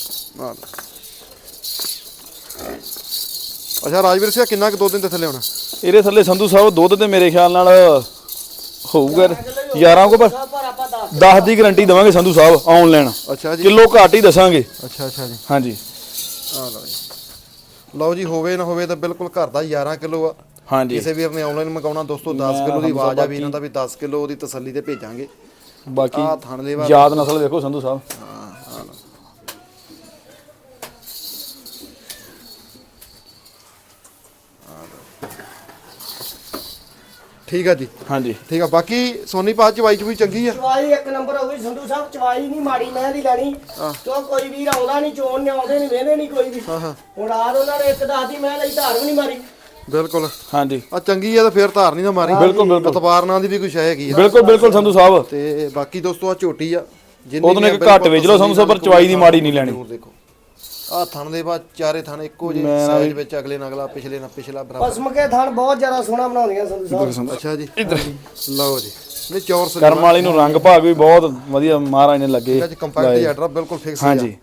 Speaker 1: ਅੱਛਾ ਰਾਜਵੀਰ ਸਿੰਘ ਕਿੰਨਾ ਕੁ 2 ਦਿਨ ਦੇ ਥੱਲੇ ਹੋਣਾ?
Speaker 2: ਇਹਦੇ ਥੱਲੇ ਸੰਧੂ ਸਾਹਿਬ ਦੁੱਧ ਤੇ ਮੇਰੇ ਖਿਆਲ ਨਾਲ ਹੋਊਗਾ 11 ਕੋ, ਪਰ
Speaker 3: ਪਰ ਆਪਾਂ
Speaker 2: 10 ਦੀ ਗਾਰੰਟੀ ਦਵਾਂਗੇ ਸੰਧੂ ਸਾਹਿਬ ਆਨਲਾਈਨ।
Speaker 1: ਅੱਛਾ ਜੀ,
Speaker 2: ਕਿਲੋ ਘੱਟ ਹੀ ਦੱਸਾਂਗੇ।
Speaker 1: ਅੱਛਾ ਜੀ,
Speaker 2: ਹਾਂਜੀ
Speaker 1: ਆ ਲਓ ਜੀ। ਲਓ ਜੀ, ਹੋਵੇ ਨਾ ਹੋਵੇ ਤਾਂ ਬਿਲਕੁਲ ਘਰ ਦਾ 11 ਕਿਲੋ ਆ।
Speaker 2: ਹਾਂਜੀ
Speaker 1: ਕਿਸੇ ਵੀਰ ਨੇ ਆਨਲਾਈਨ ਮੰਗਾਉਣਾ ਦੋਸਤੋ 10 ਕਿਲੋ ਦੀ ਆਵਾਜ਼ ਆ ਵੀ ਇਹਨਾਂ ਦਾ ਵੀ 10 ਕਿਲੋ ਦੀ ਤਸੱਲੀ ਤੇ ਭੇਜਾਂਗੇ।
Speaker 2: ਬਾਕੀ
Speaker 1: ਆ ਥਣ ਦੇ ਵਾ
Speaker 2: ਯਾਦ ਨਸਲ ਵੇਖੋ ਸੰਧੂ ਸਾਹਿਬ।
Speaker 1: ਠੀਕ ਆ ਜੀ,
Speaker 2: ਹਾਂਜੀ
Speaker 1: ਠੀਕ ਆ। ਬਾਕੀ ਸੋਨੀ ਪਾ ਚਵਾਈ ਚੂਈ ਚੰਗੀ ਆ।
Speaker 3: ਚਵਾਈ ਇੱਕ ਨੰਬਰ ਹੋ ਗਈ ਸੰਧੂ ਸਾਹਿਬ, ਚਵਾਈ ਨਹੀਂ ਮਾੜੀ ਮੈਂ ਦੀ ਲੈਣੀ ਕਿਉਂ ਕੋਈ ਵੀਰ ਆਉਂਦਾ ਨਹੀਂ, ਚੋਣ ਨੇ ਆਉਂਦੇ ਨਹੀਂ, ਵੇਹਦੇ ਨਹੀਂ ਕੋਈ ਵੀ। ਹੁਣ ਰਾਤ ਉਹਨਾਂ ਨੇ ਇੱਕ ਦੱਸਦੀ ਮੈਂ ਲਈ, ਧਾਰ ਵੀ ਨਹੀਂ ਮਾਰੀ।
Speaker 1: ਬਿਲਕੁਲ
Speaker 2: ਹਾਂਜੀ
Speaker 1: ਆ ਚੰਗੀ ਆ ਤਾਂ ਫੇਰ ਧਾਰ ਨਹੀਂ ਨਾ ਮਾਰੀ।
Speaker 2: ਬਿਲਕੁਲ ਬਿਲਕੁਲ
Speaker 1: ਤਪਾਰ ਨਾਂ ਦੀ ਵੀ ਕੁਛ ਹੈਗੀ ਆ।
Speaker 2: ਬਿਲਕੁਲ ਬਿਲਕੁਲ ਸੰਧੂ ਸਾਹਿਬ।
Speaker 1: ਤੇ ਬਾਕੀ ਦੋਸਤੋ ਆ ਝੋਟੀ ਆ, ਜਿੰਨੀ
Speaker 2: ਉਹਦੋਂ ਇੱਕ ਘੱਟ ਵੇਚ ਲਓ ਸੰਧੂ ਸਾਹਿਬ, ਪਰ ਚਵਾਈ ਦੀ ਮਾੜੀ ਨਹੀਂ ਲੈਣੀ।
Speaker 1: ਜ਼ਰੂਰ ਦੇਖੋ ਆ ਥਣ ਦੇ ਬਾਅਦ ਚਾਰੇ ਥਣ ਇੱਕੋ ਜਿਹੇ ਸਾਈਜ਼ ਵਿੱਚ, ਅਗਲੇ ਨਾਲ ਅਗਲਾ, ਪਿਛਲੇ ਨਾਲ ਪਿਛਲਾ ਬਰਾਬਰ।
Speaker 3: ਪਸਮ ਕੇ ਥਣ ਬਹੁਤ ਜ਼ਿਆਦਾ ਸੋਹਣਾ ਬਣਾਉਂਦੀਆਂ ਸੰਧੂ ਸਾਹਿਬ।
Speaker 1: ਅੱਛਾ ਜੀ, ਲਓ ਜੀ। ਨਹੀਂ ਚੌਰ ਸਲੀ
Speaker 2: ਕਰਮ ਵਾਲੀ ਨੂੰ ਰੰਗ ਭਾਗ ਵੀ ਬਹੁਤ ਵਧੀਆ ਮਹਾਰਾਜ ਨੇ ਲੱਗੇ।
Speaker 1: ਅੱਜ ਕੰਪੈਕਟ ਜੈਡਰਾ ਬਿਲਕੁਲ ਫਿਕਸ ਹੈ।
Speaker 2: ਹਾਂਜੀ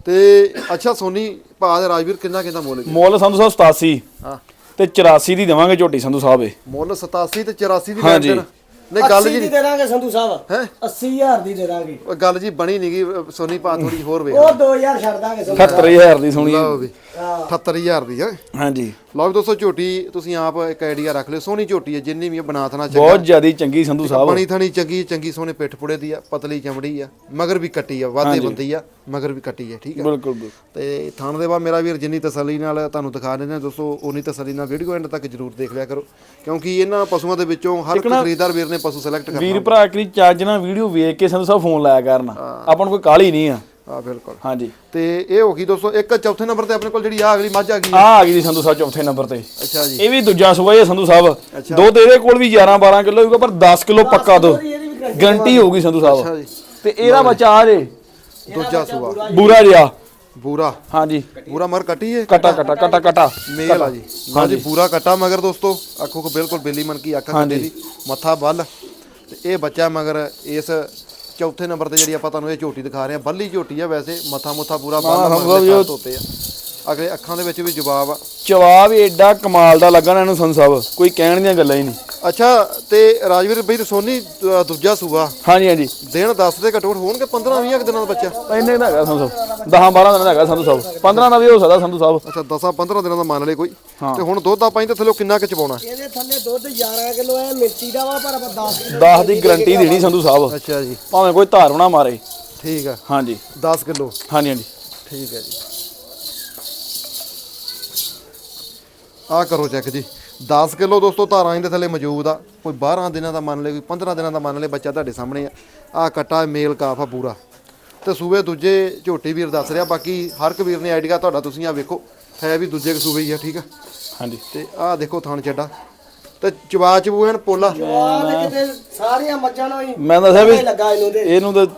Speaker 1: ਤੇ ਅੱਛਾ ਸੋਨੀ ਭਾ ਦੇ ਰਾਜਵੀਰ ਕਿੰਨਾ ਮੁੱਲ ਜੀ?
Speaker 2: ਮੁੱਲ ਸੰਧੂ ਸਾਹਿਬ 87
Speaker 1: ਹਾਂ
Speaker 2: ਤੇ 84 ਦੀ ਦੇਵਾਂਗੇ ਝੋਟੀ ਸੰਧੂ ਸਾਹਿਬ ਇਹ।
Speaker 1: ਮੁੱਲ 87 ਤੇ 84 ਦੀ
Speaker 2: ਹਾਂਜੀ।
Speaker 1: ਲੈਣ। ਨਹੀਂ ਗੱਲ
Speaker 3: 80
Speaker 1: ਜੀ
Speaker 3: ਦੀ ਦੇ ਦਾਂਗੇ ਸੰਧੂ ਸਾਹਿਬ,
Speaker 1: ਹੈ
Speaker 3: 80000 ਦੀ ਦੇ ਦਾਂਗੇ।
Speaker 1: ਉਹ ਗੱਲ ਜੀ ਬਣੀ ਨਹੀਂਗੀ ਸੋਨੀ ਭਾ, ਥੋੜੀ ਹੋਰ ਵੇਖ
Speaker 3: ਉਹ 2000 ਛੱਡ ਦਾਂਗੇ ਸੰਧੂ ਸਾਹਿਬ।
Speaker 2: 78000 ਦੀ ਸੁਣੀ।
Speaker 1: ਲਓ ਵੀ
Speaker 3: ਹਾਂ
Speaker 1: 78000 ਦੀ ਹੈ।
Speaker 2: ਹਾਂਜੀ
Speaker 1: ਲਓ ਵੀ ਦੋਸਤੋ, ਝੋਟੀ ਤੁਸੀਂ ਆਪ ਇੱਕ ਆਈਡੀਆ ਰੱਖ ਲਿਓ। ਸੋਹਣੀ ਝੋਟੀ ਹੈ, ਜਿੰਨੀ ਵੀ ਬਣਾ ਥਣਾ
Speaker 2: ਬਹੁਤ ਜ਼ਿਆਦੀ ਚੰਗੀ ਸੰਧੂ ਸਾਹਿਬ।
Speaker 1: ਬਣੀ ਥਣੀ ਚੰਗੀ ਚੰਗੀ, ਸੋਹਣੇ ਪਿੱਠ ਪੁੜੇ ਦੀ ਆ, ਪਤਲੀ ਚਮੜੀ ਆ, ਮਗਰ ਵੀ ਕੱਟੀ ਆ, ਵਾਧੇ ਬੰਦੀ ਆ, ਮਗਰ ਵੀ ਕੱਟੀ ਆ। ਠੀਕ ਆ,
Speaker 2: ਬਿਲਕੁਲ ਬਿਲਕੁਲ।
Speaker 1: ਤੇ ਥਣ ਦੇ ਬਾਅਦ ਮੇਰਾ ਵੀਰ ਜਿੰਨੀ ਤਸੱਲੀ ਨਾਲ ਤੁਹਾਨੂੰ ਦਿਖਾ ਦਿੰਦੇ ਆ ਦੋਸਤੋ, ਉਨੀ ਤਸੱਲੀ ਨਾਲ ਵੀਡੀਓ ਐਂਡ ਤੱਕ ਜਰੂਰ ਦੇਖ ਲਿਆ ਕਰੋ, ਕਿਉਂਕਿ ਇਹਨਾਂ ਪਸ਼ੂਆਂ ਦੇ ਵਿੱਚੋਂ ਹਰ ਇੱਕ ਖਰੀਦਦਾਰ ਵੀਰ ਨੇ ਪਸ਼ੂ ਸਿਲੈਕਟ ਕਰਨਾ।
Speaker 2: ਵੀਰ ਭਰਾ ਕਰੀ ਚੱਜ ਨਾਲ ਵੀਡੀਓ ਵੇਖ ਕੇ ਸੰਧੂ ਸਾਹਿਬ ਫੋਨ ਲਾਇਆ ਕਰਨ, ਆਪਾਂ ਨੂੰ ਕੋਈ ਕਾਹਲੀ ਨਹੀਂ ਆ।
Speaker 1: ਆ ਬਿਲਕੁਲ।
Speaker 2: ਹਾਂਜੀ
Speaker 1: ਤੇ ਇਹ ਹੋ ਗਈ ਦੋਸਤੋ ਇੱਕ ਚੌਥੇ ਨੰਬਰ ਤੇ ਆਪਣੇ ਕੋਲ ਜਿਹੜੀ ਆ ਅਗਲੀ ਮੱਝ ਆ ਗਈ
Speaker 2: ਆ ਗਈ ਜੀ ਸੰਧੂ ਸਾਹਿਬ ਚੌਥੇ ਨੰਬਰ ਤੇ।
Speaker 1: ਅੱਛਾ ਜੀ,
Speaker 2: ਇਹ ਵੀ ਦੂਜਾ ਸੂਆ ਹੈ ਸੰਧੂ ਸਾਹਿਬ। ਦੁੱਧ ਇਹਦੇ ਕੋਲ ਵੀ 11-12 ਕਿਲੋ ਹੋਊਗਾ, ਪਰ 10 ਕਿਲੋ ਪੱਕਾ ਦੋ ਗਾਰੰਟੀ ਹੋਊਗੀ ਸੰਧੂ
Speaker 1: ਅੱਛਾ
Speaker 2: ਸਾਹਿਬ।
Speaker 1: ਜੀ,
Speaker 2: ਤੇ ਇਹਦਾ ਬੱਚਾ ਆ ਜੇ
Speaker 1: ਦੂਜਾ ਸੂਆ
Speaker 2: ਬੂਰਾ ਜਿਹਾ।
Speaker 1: ਬੂਰਾ
Speaker 2: ਹਾਂਜੀ
Speaker 1: ਬੂਰਾ ਮਰ ਕੱਟੀ ਹੈ,
Speaker 2: ਕਟਾ ਕਟਾ ਕਟਾ ਕਟਾ
Speaker 1: ਮੇਲ ਆ ਜੀ। ਹਾਂਜੀ ਬੂਰਾ ਕੱਟਾ ਮਗਰ ਦੋਸਤੋ, ਅੱਖੋਂ ਕੋ ਬਿਲਕੁਲ ਬਿੱਲੀ ਮਨ ਕੀ ਅੱਖ ਕੱਟੇ ਦੀ, ਮੱਥਾ ਬੱਲ। ਤੇ ਇਹ ਬੱਚਾ ਮਗਰ ਇਸ ਚੌਥੇ ਨੰਬਰ ਤੇ ਜਿਹੜੀ ਆਪਾਂ ਤੁਹਾਨੂੰ ਇਹ ਝੋਟੀ ਦਿਖਾ ਰਹੇ ਆ, ਬੱਲੀ ਝੋਟੀ ਆ। ਵੈਸੇ ਮੱਥਾ ਮੁੱਥਾ ਪੂਰਾ ਬੱਲ ਤੋਤੇ ਆ, ਅਗਲੇ ਅੱਖਾਂ ਦੇ ਵਿੱਚ ਵੀ ਜਵਾਬ ਆ।
Speaker 2: ਜਵਾਬ ਏਡਾ ਕਮਾਲ ਦਾ ਲੱਗਣਾ ਇਹਨੂੰ ਸੰਧੂ ਸਾਹਿਬ, ਕੋਈ ਕਹਿਣ ਦੀਆਂ ਗੱਲਾਂ ਹੀ ਨਹੀਂ।
Speaker 1: ਅੱਛਾ ਤੇ ਰਾਜਵੀਰ ਬਈ ਤੇ ਸੋਨੀ ਦੂਜਾ ਸੂਆ
Speaker 2: ਹਾਂਜੀ ਹਾਂਜੀ
Speaker 1: ਦਿਨ 10 ਦੇ ਘਟੋਟ ਹੋਣਗੇ, 15-20 ਦਿਨਾਂ ਦਾ ਬੱਚਾ।
Speaker 2: ਇੰਨੇ ਦਾ ਹੈਗਾ ਸੰਧੂ ਸਾਹਿਬ, 10-12 ਦਿਨ ਦਾ ਹੈਗਾ ਸੰਧੂ ਸਾਹਿਬ, 15 ਦਾ ਵੀ ਹੋ ਸਕਦਾ ਸੰਧੂ ਸਾਹਿਬ।
Speaker 1: ਅੱਛਾ 10-15 ਦਿਨਾਂ ਦਾ ਮੰਨ ਲੈ ਕੋਈ। ਤੇ ਹੁਣ ਦੁੱਧ ਆਪਾਂ ਇਹਦੇ ਥੱਲੇ ਕਿੰਨਾ ਕੁ ਚਵਾਉਣਾ?
Speaker 3: ਇਹਦੇ ਥੱਲੇ ਦੁੱਧ 11 ਕਿਲੋ ਹੈ, ਮਿਰਚੀ ਦਾ ਵਾ, ਪਰ ਆਪਾਂ 10 ਕਿਲੋ
Speaker 2: 10 ਦੀ ਗਾਰੰਟੀ ਦੇਣੀ ਸੰਧੂ ਸਾਹਿਬ,
Speaker 1: ਅੱਛਾ ਜੀ,
Speaker 2: ਭਾਵੇਂ ਕੋਈ ਧਾਰ ਨਾ ਮਾਰੇ।
Speaker 1: ਠੀਕ ਆ,
Speaker 2: ਹਾਂਜੀ
Speaker 1: 10 ਕਿਲੋ।
Speaker 2: ਹਾਂਜੀ ਹਾਂਜੀ
Speaker 1: ਠੀਕ ਹੈ ਜੀ, ਆ ਕਰੋ ਚੈੱਕ ਜੀ। 10 ਕਿਲੋ ਦੋਸਤੋ ਧਾਰਾਂ ਇਹਦੇ ਥੱਲੇ ਮੌਜੂਦ ਆ। ਕੋਈ 12 ਦਿਨਾਂ ਦਾ ਮੰਨ ਲੈ, ਕੋਈ 15 ਦਿਨਾਂ ਦਾ ਮੰਨ ਲੈ, ਬੱਚਾ ਤੁਹਾਡੇ ਸਾਹਮਣੇ ਆ। ਆ ਕੱਟਾ ਮੇਲ ਕਾਫ ਆ ਪੂਰਾ। ਤੇ ਸੂਬੇ ਦੂਜੇ ਝੋਟੀ ਵੀਰ ਦੱਸ ਰਿਹਾ, ਬਾਕੀ ਹਰ ਇੱਕ ਵੀਰ ਨੇ ਆਈਡੀਆ ਤੁਹਾਡਾ, ਤੁਸੀਂ ਆ ਵੇਖੋ ਹੈ ਵੀ ਦੂਜੇ ਸੂਬੇ ਹੀ ਆ। ਠੀਕ ਆ,
Speaker 2: ਹਾਂਜੀ
Speaker 1: ਤੇ ਆਹ ਦੇਖੋ ਥਣ ਚੱਡਾ ਤੇ ਚਵਾ ਚਬੂਣ ਪੋਲਾ।
Speaker 3: ਜਵਾਬ ਕਿਤੇ ਸਾਰੀਆਂ ਮੱਝਾਂ ਨੂੰ ਹੀ
Speaker 2: ਮੈਂ ਦੱਸਿਆ ਵੀ
Speaker 3: ਲੱਗਾ ਇਹਨੂੰ ਤੇ
Speaker 2: ਇਹਨੂੰ ਤਾਂ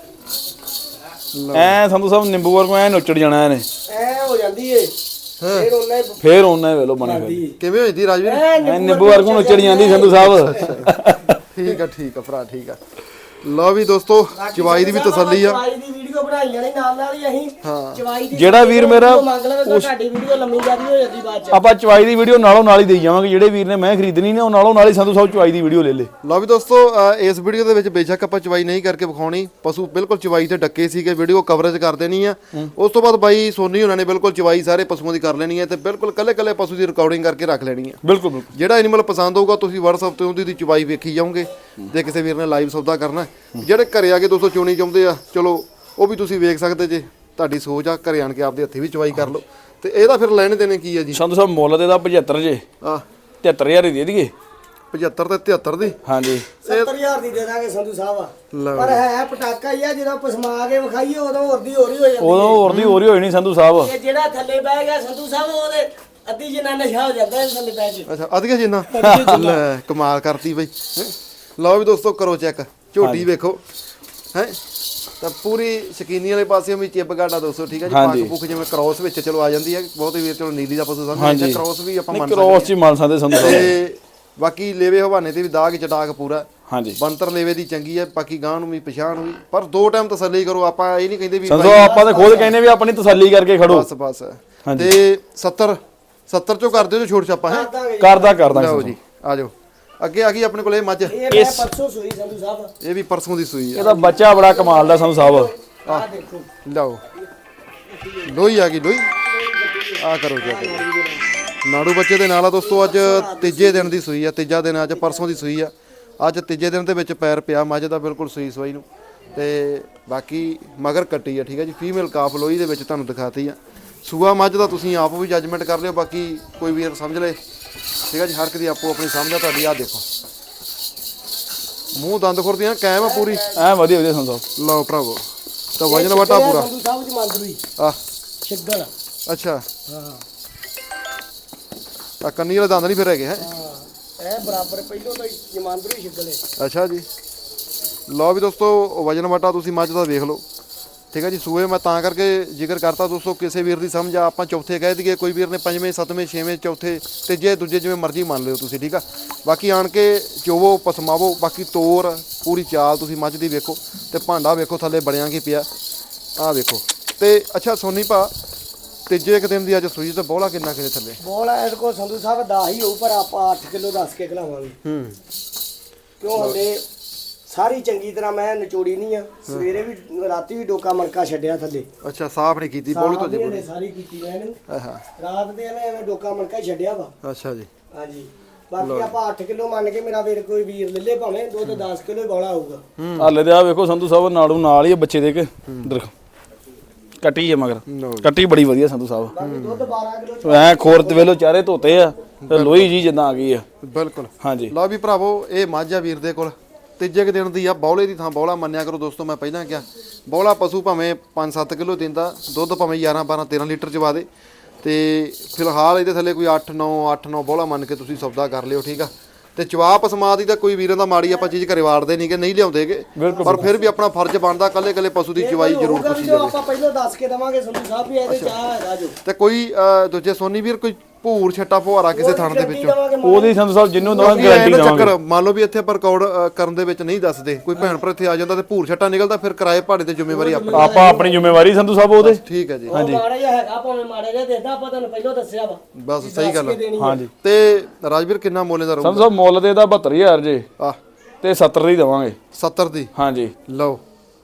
Speaker 2: ਐ ਸੰਧੂ ਸਾਹਿਬ ਨਿੰਬੂ ਵਰਗੂ ਐ ਨੁੱਚੜ ਜਾਣਾ ਇਹਨੇ,
Speaker 3: ਐ ਹੋ ਜਾਂਦੀ ਏ। ਫਿਰ ਉਹਨੇ
Speaker 2: ਫੇਰ ਉਹਨੇ ਵੇਲੋ ਬਣੇ ਹੋਏ
Speaker 1: ਕਿਵੇਂ ਹੋਈ ਦੀ ਰਾਜਵੀਰ?
Speaker 2: ਐ ਨਿੰਬੂ ਵਰਗੂ ਨੁੱਚੜ ਜਾਂਦੀ ਸੰਧੂ ਸਾਹਿਬ।
Speaker 1: ਠੀਕ ਆ ਭਰਾ, ਠੀਕ ਆ। ਲਓ ਵੀ ਦੋਸਤੋ, ਚਵਾਈ ਦੀ ਵੀ ਤਸੱਲੀ ਆ।
Speaker 3: ਚਵਾਈ ਦੀ ਵੀਡੀਓ ਬਣਾਈ ਜਾਣੀ ਨਾਲ ਨਾਲ ਹੀ ਅਸੀਂ। ਚਵਾਈ ਦੀ
Speaker 2: ਜਿਹੜਾ ਵੀਰ ਮੇਰਾ
Speaker 3: ਮੰਗ ਲਵੇ ਤਾਂ ਸਾਡੀ ਵੀਡੀਓ ਲੰਮੀ ਜਿਆਦੀ ਹੋ ਜਾਂਦੀ ਬਾਅਦ ਚ।
Speaker 2: ਆਪਾਂ ਚਵਾਈ ਦੀ ਵੀਡੀਓ ਨਾਲੋਂ ਨਾਲ ਹੀ ਦੇਈ ਜਾਵਾਂਗੇ। ਜਿਹੜੇ ਵੀਰ ਨੇ ਮੈਂ ਖਰੀਦਣੀ ਨੇ ਉਹ ਨਾਲੋਂ ਨਾਲ ਹੀ ਸੰਧੂ ਸਾਹਿਬ ਚਵਾਈ ਦੀ ਵੀਡੀਓ ਲੈ ਲੇ।
Speaker 1: ਲਓ ਵੀ ਦੋਸਤੋ, ਇਸ ਵੀਡੀਓ ਦੇ ਵਿੱਚ ਬੇਸ਼ੱਕ ਆਪਾਂ ਚਵਾਈ ਨਹੀਂ ਕਰਕੇ ਵਿਖਾਉਣੀ, ਪਸ਼ੂ ਬਿਲਕੁਲ ਚਵਾਈ ਤੇ ਡੱਕੇ ਸੀਗੇ, ਵੀਡੀਓ ਕਵਰੇਜ ਕਰ ਦੇਣੀ ਆ। ਉਸ ਤੋਂ ਬਾਅਦ ਬਾਈ ਸੋਨੀ ਉਹਨਾਂ ਨੇ ਬਿਲਕੁਲ ਚਵਾਈ ਸਾਰੇ ਪਸ਼ੂਆਂ ਦੀ ਕਰ ਲੈਣੀ ਹੈ ਤੇ ਬਿਲਕੁਲ ਕੱਲੇ ਪਸ਼ੂ ਦੀ ਰਿਕਾਰਡਿੰਗ ਕਰਕੇ ਰੱਖ ਲੈਣੀ ਹੈ।
Speaker 2: ਬਿਲਕੁਲ ਬਿਲਕੁਲ।
Speaker 1: ਜਿਹੜਾ ਐਨੀਮਲ ਪਸੰਦ ਹੋਊਗਾ ਤੁਸੀਂ WhatsApp ਤੇ ਉਹਦੀ ਚਵਾਈ ਵੇਖੀ ਜਾਓਗੇ। ਜੇ ਕਿਸੇ ਵੀਰ ਨੇ ਲਾਈਵ ਸੌਦਾ ਕਰਨਾ, ਜਿਹੜੇ ਘਰੇ ਆ ਕੇ ਦੋਸਤੋ ਚੋਣੀ ਚਾਹੁੰਦੇ ਆ, ਚਲੋ ਉਹ ਵੀ ਤੁਸੀਂ ਵੇਖ ਸਕਦੇ ਜੇ, ਤੁਹਾਡੀ ਸੋਚ ਆ। ਘਰੇ ਆਣ ਕੇ ਆਪਦੇ ਹੱਥੀਂ ਵੀ ਚਵਾਈ ਕਰ ਲਓ। ਤੇ ਇਹਦਾ ਫਿਰ ਲੈਣੇ ਦੇਣੇ ਕੀ ਆ ਜੀ?
Speaker 2: ਸੰਧੂ ਸਾਹਿਬ ਮੁੱਲ ਦੇ ਦਾ 75 ਜੇ, 73000 ਦੀ ਦੇ ਦਈਏ।
Speaker 1: 75 ਤੇ 73 ਦੀ।
Speaker 2: ਹਾਂਜੀ
Speaker 3: 70000 ਦੀ ਦੇ ਦਾਂਗੇ ਸੰਧੂ ਸਾਹਿਬ। ਪਰ ਹੈ ਪਟਾਕਾ ਹੀ ਆ, ਜਦੋਂ ਪਸਮਾ ਕੇ ਵਿਖਾਈਏ ਉਦੋਂ ਹੋਰ ਦੀ ਹੋ ਜਾਂਦੀ।
Speaker 2: ਉਦੋਂ ਹੋਰ ਦੀ ਹੋਈ ਨਹੀਂ ਸੰਧੂ ਸਾਹਿਬ।
Speaker 3: ਇਹ ਜਿਹੜਾ ਥੱਲੇ ਬਹਿ ਗਿਆ ਸੰਧੂ ਸਾਹਿਬ, ਉਹਦੇ ਅੱਧੀ ਜਿੰਨਾ ਨਸ਼ਾ ਹੋ ਜਾਂਦਾ ਇਹ ਥੱਲੇ ਬਹਿ ਕੇ।
Speaker 1: ਅੱਛਾ ਅਧਿਕ ਜਿੰਨਾ ਲੈ ਕਮਾਲ ਕਰਤੀ ਬਈ। ਲਓ ਵੀ ਦੋਸਤੋ ਕਰੋ ਚੈੱਕ, ਝੋਟੀ ਵੇਖੋ ਹੈ ਤਾਂ ਪੂਰੀ ਸ਼ਕੀਨੀ ਵਾਲੇ ਪਾਸੇ ਵੀ ਚਿੱਬ ਗਾਡਾ ਦੋਸਤੋ। ਠੀਕ ਹੈ ਜੀ, ਪੱਕ ਪੁੱਕ ਜਿਵੇਂ ਕ੍ਰੋਸ ਵਿੱਚ ਚਲੋ ਆ ਜਾਂਦੀ ਹੈ, ਬਹੁਤੇ ਵੀਰ ਚਲੋ ਨੀਲੀ ਦਾ ਪਸ਼ੂ ਸਮਝਦੇ, ਕ੍ਰੋਸ ਵੀ ਆਪਾਂ ਮੰਨ ਸਕਦੇ
Speaker 2: ਕ੍ਰੋਸ ਚ ਮੰਨ ਸਕਦੇ ਸੰਧੂ ਸਾਹਿਬ।
Speaker 1: ਤੇ ਬਾਕੀ ਲੇਵੇ ਹਵਾਨੇ ਤੇ ਵੀ ਦਾਗ ਚਟਾਕ ਪੂਰਾ।
Speaker 2: ਹਾਂਜੀ
Speaker 1: ਬੰਤਰ ਲੇਵੇ ਦੀ ਚੰਗੀ ਹੈ, ਬਾਕੀ ਗਾਂ ਨੂੰ ਵੀ ਪਛਾਣ ਵੀ, ਪਰ 2 ਟਾਈਮ ਤਸੱਲੀ ਕਰੋ। ਆਪਾਂ ਇਹ ਨਹੀਂ ਕਹਿੰਦੇ ਵੀ
Speaker 2: ਸੰਧੂ ਆਪਾਂ ਤਾਂ ਖੁਦ ਕਹਿੰਦੇ ਵੀ ਆਪਣੀ ਤਸੱਲੀ ਕਰਕੇ ਖੜੋ
Speaker 1: ਬਸ। ਤੇ 70 70 ਚੋਂ ਕਰ ਦਿਓ ਜੋ ਛੋਟ ਛਾਪਾ ਹੈ।
Speaker 2: ਕਰਦਾ
Speaker 1: ਲਓ ਜੀ ਆ ਜਾਓ ਅੱਗੇ ਆ ਗਈ ਆਪਣੇ ਕੋਲ ਇਹ ਮੱਝ।
Speaker 3: ਇਹ ਮੈਂ ਪਰਸੋਂ ਸੂਈ ਸੰਧੂ ਸਾਹਿਬ।
Speaker 1: ਇਹ ਵੀ ਪਰਸੋਂ ਦੀ ਸੂਈ ਆ।
Speaker 2: ਇਹਦਾ ਬੱਚਾ ਬੜਾ ਕਮਾਲ ਦਾ ਸੰਧੂ ਸਾਹਿਬ।
Speaker 3: ਆਹ ਦੇਖੋ
Speaker 1: ਲਓ ਲੋਈ ਆ ਗਈ ਲੋਈ ਆ ਕਰੋ ਜੀ ਨਾੜੂ ਬੱਚੇ ਦੇ ਨਾਲ ਆ ਦੋਸਤੋ। ਅੱਜ ਤੀਜੇ ਦਿਨ ਦੀ ਸੂਈ ਆ, ਤੀਜਾ ਦਿਨ ਅੱਜ ਪਰਸੋਂ ਦੀ ਸੂਈ ਆ। ਅੱਜ ਤੀਜੇ ਦਿਨ ਦੇ ਵਿੱਚ ਪੈਰ ਪਿਆ ਮੱਝ ਦਾ ਬਿਲਕੁਲ ਸੂਈ ਸਵਾਈ ਨੂੰ। ਤੇ ਬਾਕੀ ਮਗਰ ਕੱਟੀ ਆ ਠੀਕ ਆ ਜੀ। ਫੀਮੇਲ ਕਾਫ ਲੋਈ ਦੇ ਵਿੱਚ ਤੁਹਾਨੂੰ ਦਿਖਾਤੀ ਆ। ਸੂਆ ਮੱਝ ਦਾ ਤੁਸੀਂ ਆਪ ਵੀ ਜੱਜਮੈਂਟ ਕਰ ਲਿਓ, ਬਾਕੀ ਕੋਈ ਵੀਰ ਸਮਝ ਲੇ ਠੀਕ ਆ ਜੀ। ਹਰ ਇੱਕ ਦੀ ਆਪੋ ਆਪਣੀ ਸਮਝ ਆ ਤੁਹਾਡੀ। ਆ ਦੇਖੋ ਮੂੰਹ ਦੰਦ ਖੁਰਦੀਆਂ ਕਾਇਮ ਆ ਪੂਰੀ
Speaker 2: ਐ ਵਧੀਆ ਵਧੀਆ ਸੰਧੂ ਸਾਹਿਬ।
Speaker 1: ਲਓ ਭਰਾਵੋ ਤਾਂ ਵਜਨ ਵਟਾ ਪੂਰਾ
Speaker 3: ਸੰਧੂ ਸਾਹਿਬ ਜੀ ਮੰਦਰੀ
Speaker 1: ਆ
Speaker 3: ਛਿੱਗਲ।
Speaker 1: ਅੱਛਾ
Speaker 3: ਹਾਂ
Speaker 1: ਆ ਕੰਨੀ ਵਾਲੇ ਦੰਦ ਨਹੀਂ ਫਿਰ ਹੈਗੇ ਹੈ।
Speaker 3: ਹਾਂ ਇਹ ਬਰਾਬਰ ਪਹਿਲੋਂ ਤਾਂ ਜਮਾਂਦਰੂ ਛਿੱਗਲ ਹੈ।
Speaker 1: ਅੱਛਾ ਜੀ ਲਓ ਵੀ ਦੋਸਤੋ ਵਜਨ ਵਟਾ ਤੁਸੀਂ ਮੱਝ ਦਾ ਵੇਖ ਲਓ ਠੀਕ ਹੈ ਜੀ। ਸੂਏ ਮੈਂ ਤਾਂ ਕਰਕੇ ਜ਼ਿਕਰ ਕਰਤਾ ਦੋਸਤੋ, ਕਿਸੇ ਵੀਰ ਦੀ ਸਮਝ ਆ ਆਪਾਂ ਚੌਥੇ ਕਹਿ ਦਈਏ, ਕੋਈ ਵੀਰ ਨੇ ਪੰਜਵੇਂ ਸੱਤਵੇਂ ਛੇਵੇਂ ਚੌਥੇ ਤੀਜੇ ਦੂਜੇ ਜਿਵੇਂ ਮਰਜ਼ੀ ਮੰਨ ਲਿਓ ਤੁਸੀਂ ਠੀਕ ਆ। ਬਾਕੀ ਆਣ ਕੇ ਚੋਵੋ ਪਸਮਾਵੋ, ਬਾਕੀ ਤੋਰ ਪੂਰੀ ਚਾਲ ਤੁਸੀਂ ਮੱਝ ਦੀ ਵੇਖੋ ਤੇ ਭਾਂਡਾ ਵੇਖੋ ਥੱਲੇ ਬਣਿਆ ਕੀ ਪਿਆ ਆ ਵੇਖੋ। ਤੇ ਅੱਛਾ ਸੋਨੀ ਭਾ ਤੀਜੇ ਇੱਕ ਦਿਨ ਦੀ ਅੱਜ ਸੂਈ ਤੇ ਬੋਲਾ ਕਿੰਨਾ ਕਿਤੇ ਥੱਲੇ
Speaker 3: ਬੋਲਾ ਇਹਦੇ ਕੋਲ ਸੰਧੂ ਸਾਹਿਬ 10 ਹੀ ਹੋਊ, ਪਰ ਆਪਾਂ 8 ਕਿਲੋ ਦੱਸ ਕੇ ਖਲਾਵਾਂਗੇ। ਕਿਉਂ ਹਲੇ ਸਾਰੀ ਚੰਗੀ ਤਰ੍ਹਾਂ ਮੈਂ ਨਿਚੋੜੀ ਨਹੀਂ ਆ। ਸਵੇਰੇ ਵੀ ਰਾਤੀ ਵੀ ਡੋਕਾ ਮਣਕਾ ਛੱਡਿਆ ਥੱਲੇ।
Speaker 1: ਅੱਛਾ ਸਾਫ਼ ਨਹੀਂ ਕੀਤੀ ਬੋਲੀ ਤੋਂ ਜੇ
Speaker 3: ਸਾਰੀ ਕੀਤੀ ਮੈਂ ਇਹਨੂੰ।
Speaker 1: ਆਹਾ
Speaker 3: ਰਾਤ ਦੇ ਇਹਨੇ ਐਵੇਂ ਡੋਕਾ ਮਣਕਾ ਹੀ ਛੱਡਿਆ ਵਾ।
Speaker 1: ਅੱਛਾ ਜੀ
Speaker 3: ਹਾਂਜੀ ਬਾਕੀ ਆਪਾਂ 8 ਕਿਲੋ ਮੰਨ ਕੇ ਮੇਰਾ ਵੀਰ ਕੋਈ ਵੀਰ ਲੈ ਲੇ, ਭਾਵੇਂ ਦੁੱਧ 10 ਕਿਲੋ ਹੀ ਬੋਲਾ ਆਊਗਾ।
Speaker 2: ਹਾਲੇ ਤੇ ਆ ਵੇਖੋ ਸੰਧੂ ਸਾਹਿਬ ਨਾੜੂ ਨਾਲ ਹੀ ਆ ਬੱਚੇ ਦੇ ਕੇ ਦੇਖੋ ਕੱਟੀ ਹੈ ਮਗਰ ਕੱਟੀ ਬੜੀ ਵਧੀਆ ਸੰਧੂ ਸਾਹਿਬ।
Speaker 3: ਬਾਕੀ ਦੁੱਧ 12 ਕਿਲੋ
Speaker 2: ਐ ਖੋਰ ਤੇ ਵੇਲੋ ਚਾਰੇ ਧੋਤੇ ਆ ਤੇ ਲੋਈ ਜੀ ਜਿੱਦਾਂ ਆ ਗਈ ਆ।
Speaker 1: ਬਿਲਕੁਲ
Speaker 2: ਹਾਂਜੀ
Speaker 1: ਲਓ ਵੀ ਭਰਾਵੋ ਇਹ ਮੱਝ ਆ ਵੀਰ ਦੇ ਕੋਲ ਤੀਜੇ ਕੁ ਦਿਨ ਦੀ ਆ। ਬੌਲੇ ਦੀ ਥਾਂ ਬੌਲਾ ਮੰਨਿਆ ਕਰੋ ਦੋਸਤੋ। ਮੈਂ ਪਹਿਲਾਂ ਕਿਹਾ ਬੌਲਾ ਪਸ਼ੂ ਭਾਵੇਂ 5-7 ਕਿਲੋ ਦਿੰਦਾ ਦੁੱਧ, ਭਾਵੇਂ 11-12-13 ਲੀਟਰ ਚਵਾ ਦੇ। ਤੇ ਫਿਲਹਾਲ ਇਹਦੇ ਥੱਲੇ ਕੋਈ 8-9 ਬੌਲਾ ਮੰਨ ਕੇ ਤੁਸੀਂ ਸੌਦਾ ਕਰ ਲਿਓ ਠੀਕ ਆ। ਤੇ ਚਵਾ ਪਸਮਾ ਦੀ ਤਾਂ ਕੋਈ ਵੀਰਾਂ ਦਾ ਮਾੜੀ ਆਪਾਂ ਚੀਜ਼ ਘਰੇ ਵਾੜਦੇ ਨਹੀਂ ਕਿ ਨਹੀਂ ਲਿਆਉਂਦੇਗੇ, ਪਰ ਫਿਰ ਵੀ ਆਪਣਾ ਫਰਜ਼ ਬਣਦਾ ਕੱਲੇ ਕੱਲੇ ਪਸ਼ੂ ਦੀ ਚਵਾਈ ਜ਼ਰੂਰ ਤੁਸੀਂ
Speaker 3: ਜੋ ਆਪਾਂ ਪਹਿਲਾਂ ਦੱਸ ਕੇ ਦਵਾਂਗੇ ਸੰਧੂ ਸਾਹਿਬ ਵੀ ਇਹਦੇ ਚਾਹ ਹੈਗਾ ਜੋ।
Speaker 1: ਤੇ ਕੋਈ ਦੂਜੇ ਸੋਨੀ ਵੀਰ ਕੋਈ ਭੂਰ ਛੱਟਾ ਫੁਹਾਰਾ ਕਿਸੇ ਥਣ ਦੇ ਵਿੱਚੋਂ
Speaker 2: ਉਹਦੀ ਸੰਧੂ ਸਾਹਿਬ ਜਿੰਨੂੰ ਦਵਾਂਗੇ
Speaker 1: ਇਹ
Speaker 2: ਗਾਰੰਟੀ
Speaker 1: ਨਾ
Speaker 2: ਦਵਾਂਗੇ।
Speaker 1: ਚੱਕਰ ਮੰਨ ਲਓ ਵੀ ਇੱਥੇ ਆਪਾਂ ਰਿਕਾਰਡ ਕਰਨ ਦੇ ਵਿੱਚ ਨਹੀਂ ਦੱਸਦੇ, ਕੋਈ ਭੈਣ ਭਰਾ ਇੱਥੇ ਆ ਜਾਂਦਾ ਤੇ ਭੂਰ ਛੱਟਾ ਨਿਕਲਦਾ, ਫਿਰ ਕਿਰਾਏ ਭਾੜੇ ਤੇ ਜ਼ਿੰਮੇਵਾਰੀ ਆਪਣੀ।
Speaker 2: ਆਪਾਂ ਆਪਣੀ ਜ਼ਿੰਮੇਵਾਰੀ ਸੰਧੂ ਸਾਹਿਬ ਉਹਦੇ।
Speaker 1: ਠੀਕ ਹੈ ਜੀ
Speaker 3: ਮਾੜਾ ਜਿਹਾ ਹੈਗਾ ਭਾਵੇਂ ਮਾੜਾ ਜਿਹਾ ਦੇਦਾ, ਆਪਾਂ ਤੁਹਾਨੂੰ ਪਹਿਲਾਂ ਦੱਸਿਆ ਵਾ।
Speaker 1: ਬਸ ਸਹੀ ਗੱਲ ਆ।
Speaker 2: ਹਾਂਜੀ
Speaker 1: ਤੇ ਰਾਜਵੀਰ ਕਿੰਨਾ ਮੁੱਲ ਦਾ ਰਹੂਗਾ?
Speaker 2: ਸੰਧੂ ਸਾਹਿਬ ਮੁੱਲ ਦੇ ਇਹਦਾ 72000 ਜੇ
Speaker 1: ਆ
Speaker 2: ਤੇ 70 ਦੀ ਦਵਾਂਗੇ।
Speaker 1: 70 ਦੀ
Speaker 2: ਹਾਂਜੀ
Speaker 1: ਲਓ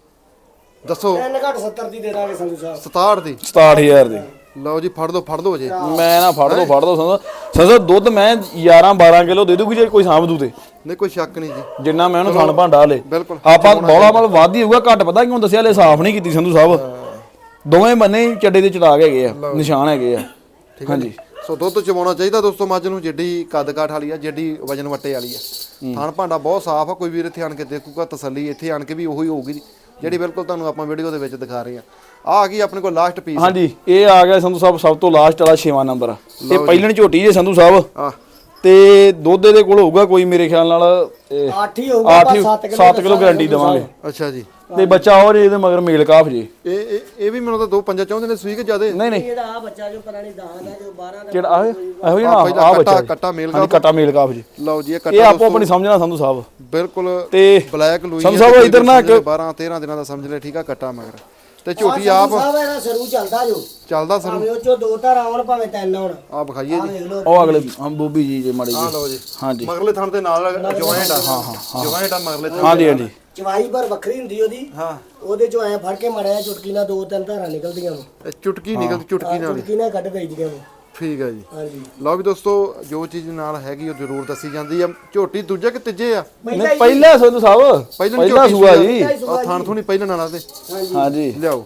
Speaker 1: ਦੱਸੋ।
Speaker 3: 3 ਘੱਟ 70 ਦੀ ਦੇ ਦਾਂਗੇ ਸੰਧੂ ਸਾਹਿਬ।
Speaker 1: 67 ਦੀ
Speaker 2: 67000 ਦੀ।
Speaker 1: ਲਓ ਜੀ ਫੜ ਦੋ ਜੇ
Speaker 2: ਮੈਂ ਨਾ ਫੜ ਦੋ ਸੰਧੂ ਦੁੱਧ ਮੈਂ 11-12 ਕਿਲੋ ਦੇ ਦੂਗੀ ਜੇ ਕੋਈ ਸਾਂਭ ਦੂ ਤੇ।
Speaker 1: ਨਹੀਂ ਕੋਈ ਸ਼ੱਕ ਨਹੀਂ ਜੀ
Speaker 2: ਜਿੰਨਾ ਮੈਂ ਉਹਨੂੰ ਥਣ ਭਾਂਡਾ ਹਲੇ
Speaker 1: ਬਿਲਕੁਲ
Speaker 2: ਆਪਾਂ ਬੌਲਾ ਮਲ ਵੱਧ ਹੀ ਹੋਊਗਾ, ਘੱਟ ਪਤਾ ਕਿਉਂ ਦੱਸਿਆ ਹਲੇ ਸਾਫ਼ ਨਹੀਂ ਕੀਤੀ ਸੰਧੂ ਸਾਹਿਬ। ਦੋਵੇਂ ਬੰਨੇ ਹੀ ਚੱਡੇ ਦੇ ਚੜਾਕ ਹੈਗੇ ਆ, ਨਿਸ਼ਾਨ ਹੈਗੇ ਆ। ਹਾਂਜੀ
Speaker 1: ਸੋ ਦੁੱਧ ਚਵਾਉਣਾ ਚਾਹੀਦਾ ਦੋਸਤੋ ਮੱਝ ਨੂੰ, ਜਿੱਡੀ ਕੱਦ ਕਾਠ ਵਾਲੀ ਆ, ਜਿੱਡੀ ਵਜਨ ਵੱਟੇ ਵਾਲੀ ਆ। ਥਣ ਭਾਂਡਾ ਬਹੁਤ ਸਾਫ਼ ਆ। ਕੋਈ ਵੀਰ ਇੱਥੇ ਆਣ ਕੇ ਦੇਖੂਗਾ ਤਸੱਲੀ ਇੱਥੇ ਆਣ ਕੇ ਵੀ ਉਹੀ ਹੋਊਗੀ ਜਿਹੜੀ ਬਿਲਕੁਲ ਤੁਹਾਨੂੰ ਆਪਾਂ ਵੀਡੀਓ ਦੇ ਵਿੱਚ ਦਿਖਾ ਰਹੇ ਆ। ਆ ਗਈ ਆਪਣੇ ਕੋਲ ਲਾਸਟ ਪੀਸ।
Speaker 2: ਹਾਂਜੀ ਇਹ ਆ ਗਿਆ ਸੰਧੂ ਸਾਹਿਬ ਸਭ ਤੋਂ ਲਾਸਟ ਵਾਲਾ 6ਵਾਂ ਨੰਬਰ। ਇਹ ਪਹਿਲਣ ਝੋਟੀ ਜੇ ਸੰਧੂ ਸਾਹਿਬ
Speaker 1: ਆ
Speaker 2: ਤੇ ਦੁੱਧ ਦੇ ਕੋਲ ਹੋਊਗਾ ਕੋਈ ਮੇਰੇ ਖਿਆਲ ਨਾਲ
Speaker 3: 8 ਹੀ ਹੋਊਗਾ,
Speaker 2: 7 ਕਿਲੋ ਗਾਰੰਟੀ ਦੇਵਾਂਗੇ।
Speaker 1: ਅੱਛਾ ਜੀ
Speaker 2: ਤੇ ਬੱਚਾ ਹੋਰ ਇਹਦੇ ਮਗਰ ਮੇਲ ਕਾਫ ਜੀ।
Speaker 1: ਇਹ ਵੀ ਮੈਨੂੰ ਤਾਂ 2-5 ਚਾਹੁੰਦੇ ਨੇ ਸੂਈ ਕਿ ਜ਼ਿਆਦੇ?
Speaker 2: ਨਹੀਂ ਨਹੀਂ
Speaker 3: ਇਹਦਾ ਆ ਬੱਚਾ ਜੋ ਪੁਰਾਣੀ ਦਾਨ ਦਾ ਜੋ 12 ਦਾ
Speaker 2: ਕਿਹੜਾ ਇਹੋ ਜਿਹਾ ਆ ਬੱਚਾ
Speaker 1: ਕੱਟਾ ਮੇਲ
Speaker 2: ਹਾਂਜੀ ਕੱਟਾ ਮੇਲ ਕਾਫ ਜੀ।
Speaker 1: ਲਓ ਜੀ
Speaker 2: ਇਹ ਆਪੋ ਆਪਣੀ ਸਮਝਣਾ ਸੰਧੂ ਸਾਹਿਬ
Speaker 1: ਬਿਲਕੁਲ
Speaker 2: ਤੇ
Speaker 1: ਬਲੈਕ ਲੂਈ
Speaker 2: ਸੰਧੂ ਸਾਹਿਬ ਇਧਰ ਨਾ
Speaker 1: 12-13 ਦਿਨਾਂ ਦਾ ਸਮਝ ਲੈ ਠੀਕ ਆ ਕੱਟਾ ਮਗਰ। ਤੇ ਝੋਟੀ ਆਪ
Speaker 3: ਸਾਹਿਬ ਇਹਦਾ ਸਰੂ ਚੱਲਦਾ ਜੋ
Speaker 1: ਚੱਲਦਾ ਸਰੂ
Speaker 3: ਭਾਵੇਂ ਉਹ ਚੋਂ 2 ਧਾਰ ਆਉਣ ਭਾਵੇਂ 3 ਆਉਣ।
Speaker 1: ਆ ਵਿਖਾਈਏ
Speaker 3: ਆ
Speaker 1: ਜੀ
Speaker 3: ਵੇਖ ਲਓ
Speaker 2: ਉਹ ਅਗਲੇ ਹਮ ਬੋਬੀ ਜੀ ਜੇ ਮਾੜੀ
Speaker 1: ਆ
Speaker 2: ਜੀ।
Speaker 1: ਲਓ ਜੀ
Speaker 2: ਹਾਂਜੀ
Speaker 1: ਮਗਰਲੇ ਥਣ ਦੇ ਨਾਲ ਜੁਆਇੰਟ ਆ। ਹਾਂ ਜੁਆਇੰਟ ਆ ਮਗਰਲੇ ਥਣ।
Speaker 2: ਹਾਂਜੀ ਹਾਂਜੀ
Speaker 3: ਚਵਾਈ ਪਰ ਵੱਖਰੀ ਹੁੰਦੀ ਉਹਦੀ।
Speaker 1: ਹਾਂ
Speaker 3: ਉਹਦੇ ਚੋਂ ਐ ਫੜ ਕੇ ਮਾਰਿਆ ਚੁਟਕੀ ਨਾਲ 2-3 ਧਾਰਾਂ ਨਿਕਲਦੀਆਂ ਵਾ।
Speaker 1: ਇਹ ਚੁਟਕੀ ਨਿਕਲ ਚੁਟਕੀ ਨਾਲ
Speaker 3: ਚੁਟਕੀ ਨਾਲ ਕੱਢ ਦਈਦੀਆਂ ਵਾ।
Speaker 1: ਠੀਕ ਹੈ ਜੀ।
Speaker 3: ਹਾਂਜੀ
Speaker 1: ਲਓ ਵੀ ਦੋਸਤੋ ਜੋ ਚੀਜ਼ ਨਾਲ ਹੈਗੀ ਉਹ ਜ਼ਰੂਰ ਦੱਸੀ ਜਾਂਦੀ ਆ। ਝੋਟੀ ਦੂਜੇ ਕਿ ਤੀਜੇ ਆ?
Speaker 2: ਨਹੀਂ ਪਹਿਲਾ ਸੰਧੂ ਸਾਹਿਬ ਪਹਿਲਾ ਸੂਆ ਜੀ।
Speaker 1: ਆ ਥਣ ਥੁਣੀ ਪਹਿਲਾਂ ਨਾਲ ਆ ਤੇ
Speaker 2: ਹਾਂਜੀ
Speaker 1: ਲਿਆਓ।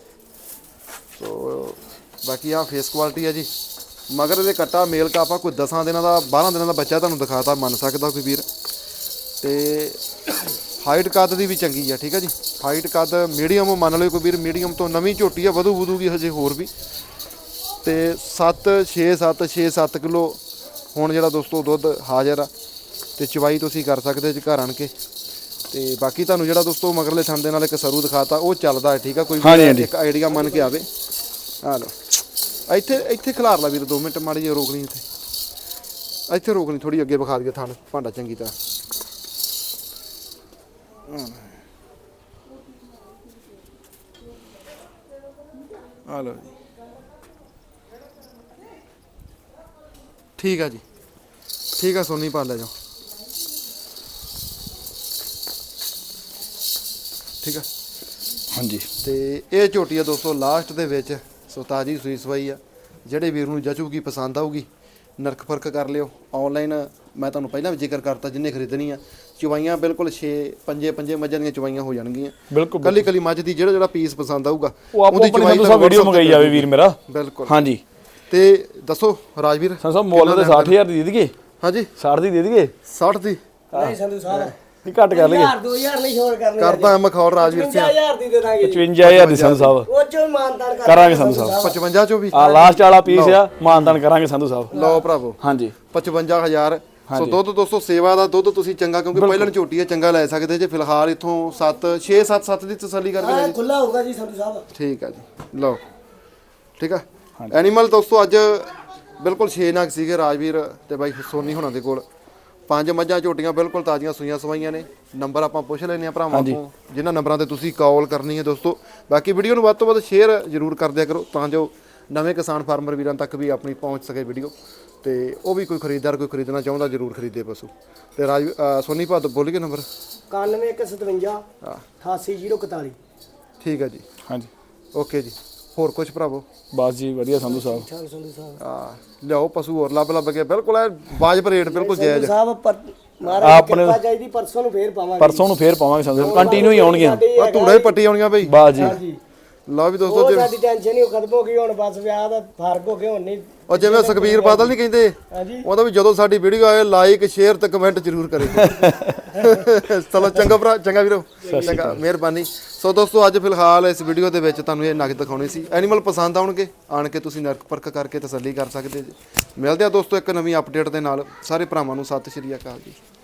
Speaker 1: ਸੋ ਬਾਕੀ ਆ ਫੇਸ ਕੁਆਲਿਟੀ ਆ ਜੀ। ਮਗਰ ਇਹਦੇ ਕੱਟਾ ਮੇਲ ਕਾਪਾ ਕੋਈ 10 ਦਿਨਾਂ ਦਾ 12 ਦਿਨਾਂ ਦਾ ਬੱਚਾ ਤੁਹਾਨੂੰ ਦਿਖਾਤਾ ਮੰਨ ਸਕਦਾ ਕੋਈ ਵੀਰ। ਤੇ ਹਾਈਟ ਕੱਦ ਦੀ ਵੀ ਚੰਗੀ ਆ ਠੀਕ ਆ ਜੀ। ਹਾਈਟ ਕੱਦ ਮੀਡੀਅਮ ਮੰਨ ਲਓ ਕੋਈ ਵੀਰ, ਮੀਡੀਅਮ ਤੋਂ ਨਵੀਂ ਝੋਟੀ ਆ, ਵਧੂਗੀ ਹਜੇ ਹੋਰ ਵੀ। ਤੇ 6-7 ਕਿਲੋ ਹੁਣ ਜਿਹੜਾ ਦੋਸਤੋ ਦੁੱਧ ਹਾਜ਼ਰ ਆ। ਤੇ ਚਵਾਈ ਤੁਸੀਂ ਕਰ ਸਕਦੇ ਜੀ ਘਰ ਆਣ ਕੇ। ਤੇ ਬਾਕੀ ਤੁਹਾਨੂੰ ਜਿਹੜਾ ਦੋਸਤੋ ਮਗਰਲੇ ਥਣ ਦੇ ਨਾਲ ਇੱਕ ਸਰੂ ਦਿਖਾਤਾ ਉਹ ਚੱਲਦਾ ਹੈ ਠੀਕ ਆ। ਕੋਈ ਇੱਕ ਆਈਡੀਆ ਮੰਨ ਕੇ ਆਵੇ। ਆ ਲਓ ਇੱਥੇ ਖਿਲਾਰ ਲਾ ਵੀਰ 2 ਮਿੰਟ ਮਾੜੀ ਜਿਹੀ ਰੋਕ ਲਈ ਇੱਥੇ ਰੋਕ ਲਈ ਥੋੜੀ ਅੱਗੇ ਵਿਖਾ ਦਈਏ ਥਣ ਭਾਂਡਾ ਚੰਗੀ ਤਰ੍ਹਾਂ। ਆ ਲਓ ਜੀ ਠੀਕ ਆ ਜੀ, ਠੀਕ ਆ ਸੋਨੀ ਪਾ ਲੈ ਜਾਓ। ਠੀਕ ਆ।
Speaker 2: ਹਾਂਜੀ
Speaker 1: ਤੇ ਇਹ ਝੋਟੀ ਆ ਦੋਸਤੋ ਲਾਸਟ ਦੇ ਵਿੱਚ, ਸੋ ਤਾਜੀ ਸੂਈ ਸਵਾਈ ਆ। ਜਿਹੜੇ ਵੀਰ ਨੂੰ ਜਚੂਗੀ ਪਸੰਦ ਆਊਗੀ ਨਰਕ ਫਰਕ ਕਰ ਲਿਓ। ਆਨਲਾਈਨ ਮੈਂ ਤੁਹਾਨੂੰ ਪਹਿਲਾਂ ਵੀ ਜ਼ਿਕਰ ਕਰਤਾ, ਜਿੰਨੇ ਖਰੀਦਣੀ ਆ ਚਵਾਈਆਂ ਬਿਲਕੁਲ 6 ਪੰਜੇ ਮੱਝਾਂ ਦੀਆਂ ਚਵਾਈਆਂ ਹੋ ਜਾਣਗੀਆਂ।
Speaker 2: ਬਿਲਕੁਲ
Speaker 1: ਕੱਲੀ ਕੱਲੀ ਮੱਝ ਦੀ ਜਿਹੜਾ ਪੀਸ ਪਸੰਦ ਆਊਗਾ
Speaker 2: ਉਹ ਆਪੋ ਆਪਣੀ ਸੰਧੂ ਸਾਹਿਬ ਵੀਡੀਓ ਮੰਗਾਈ ਜਾਵੇ ਵੀਰ ਮੇਰਾ।
Speaker 1: ਬਿਲਕੁਲ।
Speaker 2: ਹਾਂਜੀ
Speaker 1: ਤੇ ਦੱਸੋ ਰਾਜਵੀਰ
Speaker 2: ਸੰਧੂ ਸਾਹਿਬ ਮੁੱਲ ਤੇ 60000 ਦੀ ਦੇ ਦਈਏ?
Speaker 1: ਹਾਂਜੀ
Speaker 2: 60 ਦੀ ਦੇ ਦਈਏ?
Speaker 1: 60 ਦੀ
Speaker 3: ਨਹੀਂ ਸੰਧੂ ਸਾਹਿਬ
Speaker 2: ਨਹੀਂ ਘੱਟ ਕਰ ਲਈਏ?
Speaker 3: 2000 ਨਹੀਂ ਛੋੜ ਕਰਨੀ
Speaker 1: ਕਰਦਾ ਮਖੌਲ ਰਾਜਵੀਰ ਸਿੰਘ।
Speaker 3: 55000 ਦੀ ਦੇ ਦਾਂਗੇ
Speaker 2: 55000 ਦੀ ਸੰਧੂ ਸਾਹਿਬ
Speaker 3: ਉਹ ਚੋਂ ਮਾਨਤਾਨ
Speaker 2: ਕਰਾਂਗੇ ਸੰਧੂ ਸਾਹਿਬ।
Speaker 1: 55 ਚੋਂ ਵੀ
Speaker 2: ਆ ਲਾਸਟ ਵਾਲਾ ਪੀਸ ਆ, ਮਾਨਦਾਨ ਕਰਾਂਗੇ ਸੰਧੂ ਸਾਹਿਬ।
Speaker 1: ਲਓ ਭਰਾਵੋ
Speaker 2: ਹਾਂਜੀ
Speaker 1: 55000। ਸੋ ਦੁੱਧ ਦੋਸਤੋ ਸੇਵਾ ਦਾ ਦੁੱਧ ਤੁਸੀਂ ਚੰਗਾ, ਕਿਉਂਕਿ ਪਹਿਲਾਂ ਝੋਟੀ ਆ ਚੰਗਾ ਲੈ ਸਕਦੇ ਜੇ। ਫਿਲਹਾਲ ਇੱਥੋਂ 7 ਦੀ ਤਸੱਲੀ ਕਰਕੇ ਲੈ ਜੀ।
Speaker 3: ਖੁੱਲਾ ਹੋਊਗਾ ਜੀ ਸੰਧੂ ਸਾਹਿਬ।
Speaker 1: ਠੀਕ ਆ ਜੀ, ਲਓ ਠੀਕ ਆ। ਐਨੀਮਲ ਦੋਸਤੋ ਅੱਜ ਬਿਲਕੁਲ 6 ਨਗ ਸੀਗੇ ਰਾਜਵੀਰ ਤੇ ਬਾਈ ਸੋਨੀ ਹੋਣਾ ਦੇ ਕੋਲ। 5 ਮੱਝਾਂ ਝੋਟੀਆਂ ਬਿਲਕੁਲ ਤਾਜ਼ੀਆਂ ਸੂਈਆਂ ਸਵਾਈਆਂ ਨੇ। ਨੰਬਰ ਆਪਾਂ ਪੁੱਛ ਲੈਨੇ ਆ ਭਰਾਵਾਂ ਤੋਂ, ਜਿਨ੍ਹਾਂ ਨੰਬਰਾਂ ਤੇ ਤੁਸੀਂ ਕਾਲ ਕਰਨੀ ਹੈ ਦੋਸਤੋ। ਬਾਕੀ ਵੀਡੀਓ ਨੂੰ ਵੱਧ ਤੋਂ ਵੱਧ ਸ਼ੇਅਰ ਜ਼ਰੂਰ ਕਰ ਦਿਆ ਕਰੋ, ਤਾਂ ਜੋ ਨਵੇਂ ਕਿਸਾਨ ਫਾਰਮਰ ਵੀਰਾਂ ਤੱਕ ਵੀ ਆਪਣੀ ਪਹੁੰਚ ਸਕੇ ਵੀਡੀਓ, ਤੇ ਉਹ ਵੀ ਕੋਈ ਖਰੀਦਦਾਰ ਕੋਈ ਖਰੀਦਣਾ ਚਾਹੁੰਦਾ ਜ਼ਰੂਰ ਖਰੀਦੇ ਪਸ਼ੂ। ਤੇ ਰਾਜ ਸੋਨੀ ਭਾ ਤੋਂ ਬੋਲੀਏ ਨੰਬਰ
Speaker 3: 9157 88041।
Speaker 1: ਠੀਕ ਹੈ ਜੀ,
Speaker 2: ਹਾਂਜੀ
Speaker 1: ਓਕੇ ਜੀ। ਹੋਰ ਕੁਝ ਭਰਾਵੋ?
Speaker 2: ਬਸ ਜੀ ਵਧੀਆ ਸੰਧੂ ਸਾਹਿਬ।
Speaker 3: ਸੰਧੂ ਸਾਹਿਬ
Speaker 1: ਲਿਆਓ ਪਸ਼ੂ ਹੋਰ ਲੱਭ ਕੇ ਬਿਲਕੁਲ ਵਾਜਬ ਰੇਟ, ਬਿਲਕੁਲ ਜਾਇਜ਼।
Speaker 3: ਸਾਹਿਬ ਮਹਾਰਾਜ ਦੀ ਕਿਰਪਾ ਚਾਹੀਦੀ, ਪਰਸੋਂ ਨੂੰ ਫੇਰ ਪਾਵਾਂਗੇ।
Speaker 2: ਪਰਸੋਂ ਨੂੰ ਫੇਰ ਪਾਵਾਂਗੇ ਸੰਧੂ ਸਾਹਿਬ, ਕੰਟੀਨਿਊ ਹੀ ਆਉਣਗੀਆਂ।
Speaker 1: ਆ ਧੂੜਾ ਹੀ ਪੱਟੀ ਆਉਣੀਆਂ ਬਈ।
Speaker 2: ਬਸ ਜੀ
Speaker 3: ਹਾਂਜੀ
Speaker 1: ਲਓ ਵੀ ਦੋਸਤੋ,
Speaker 3: ਉਹ ਸਾਡੀ ਟੈਨਸ਼ਨ ਹੀ ਖਤਮ ਹੋ ਗਈ ਹੁਣ, ਬਸ ਵਿਆਹ ਦਾ ਫਰਕ ਹੋ ਗਿਆ ਹੁਣ ਨਹੀਂ।
Speaker 1: ਉਹ ਜਿਵੇਂ ਸੁਖਬੀਰ ਬਾਦਲ ਨਹੀਂ ਕਹਿੰਦੇ,
Speaker 3: ਹਾਂਜੀ
Speaker 1: ਉਹਦਾ ਵੀ ਜਦੋਂ ਸਾਡੀ ਵੀਡੀਓ ਆਏ ਲਾਈਕ ਸ਼ੇਅਰ ਤੇ ਕਮੈਂਟ ਜ਼ਰੂਰ ਕਰਿਓ। ਚਲੋ ਚੰਗਾ ਭਰਾ, ਚੰਗਾ ਵੀਰੋ, ਚੰਗਾ, ਮਿਹਰਬਾਨੀ। ਸੋ ਦੋਸਤੋ ਅੱਜ ਫਿਲਹਾਲ ਇਸ ਵੀਡੀਓ ਦੇ ਵਿੱਚ ਤੁਹਾਨੂੰ ਇਹ ਨਗ ਦਿਖਾਉਣੇ ਸੀ। ਐਨੀਮਲ ਪਸੰਦ ਆਉਣਗੇ, ਆਣ ਕੇ ਤੁਸੀਂ ਨਰਕ ਪਰਖ ਕਰਕੇ ਤਸੱਲੀ ਕਰ ਸਕਦੇ ਜੀ। ਮਿਲਦੇ ਆ ਦੋਸਤੋ ਇੱਕ ਨਵੀਂ ਅਪਡੇਟ ਦੇ ਨਾਲ। ਸਾਰੇ ਭਰਾਵਾਂ ਨੂੰ ਸਤਿ ਸ਼੍ਰੀ ਅਕਾਲ ਜੀ।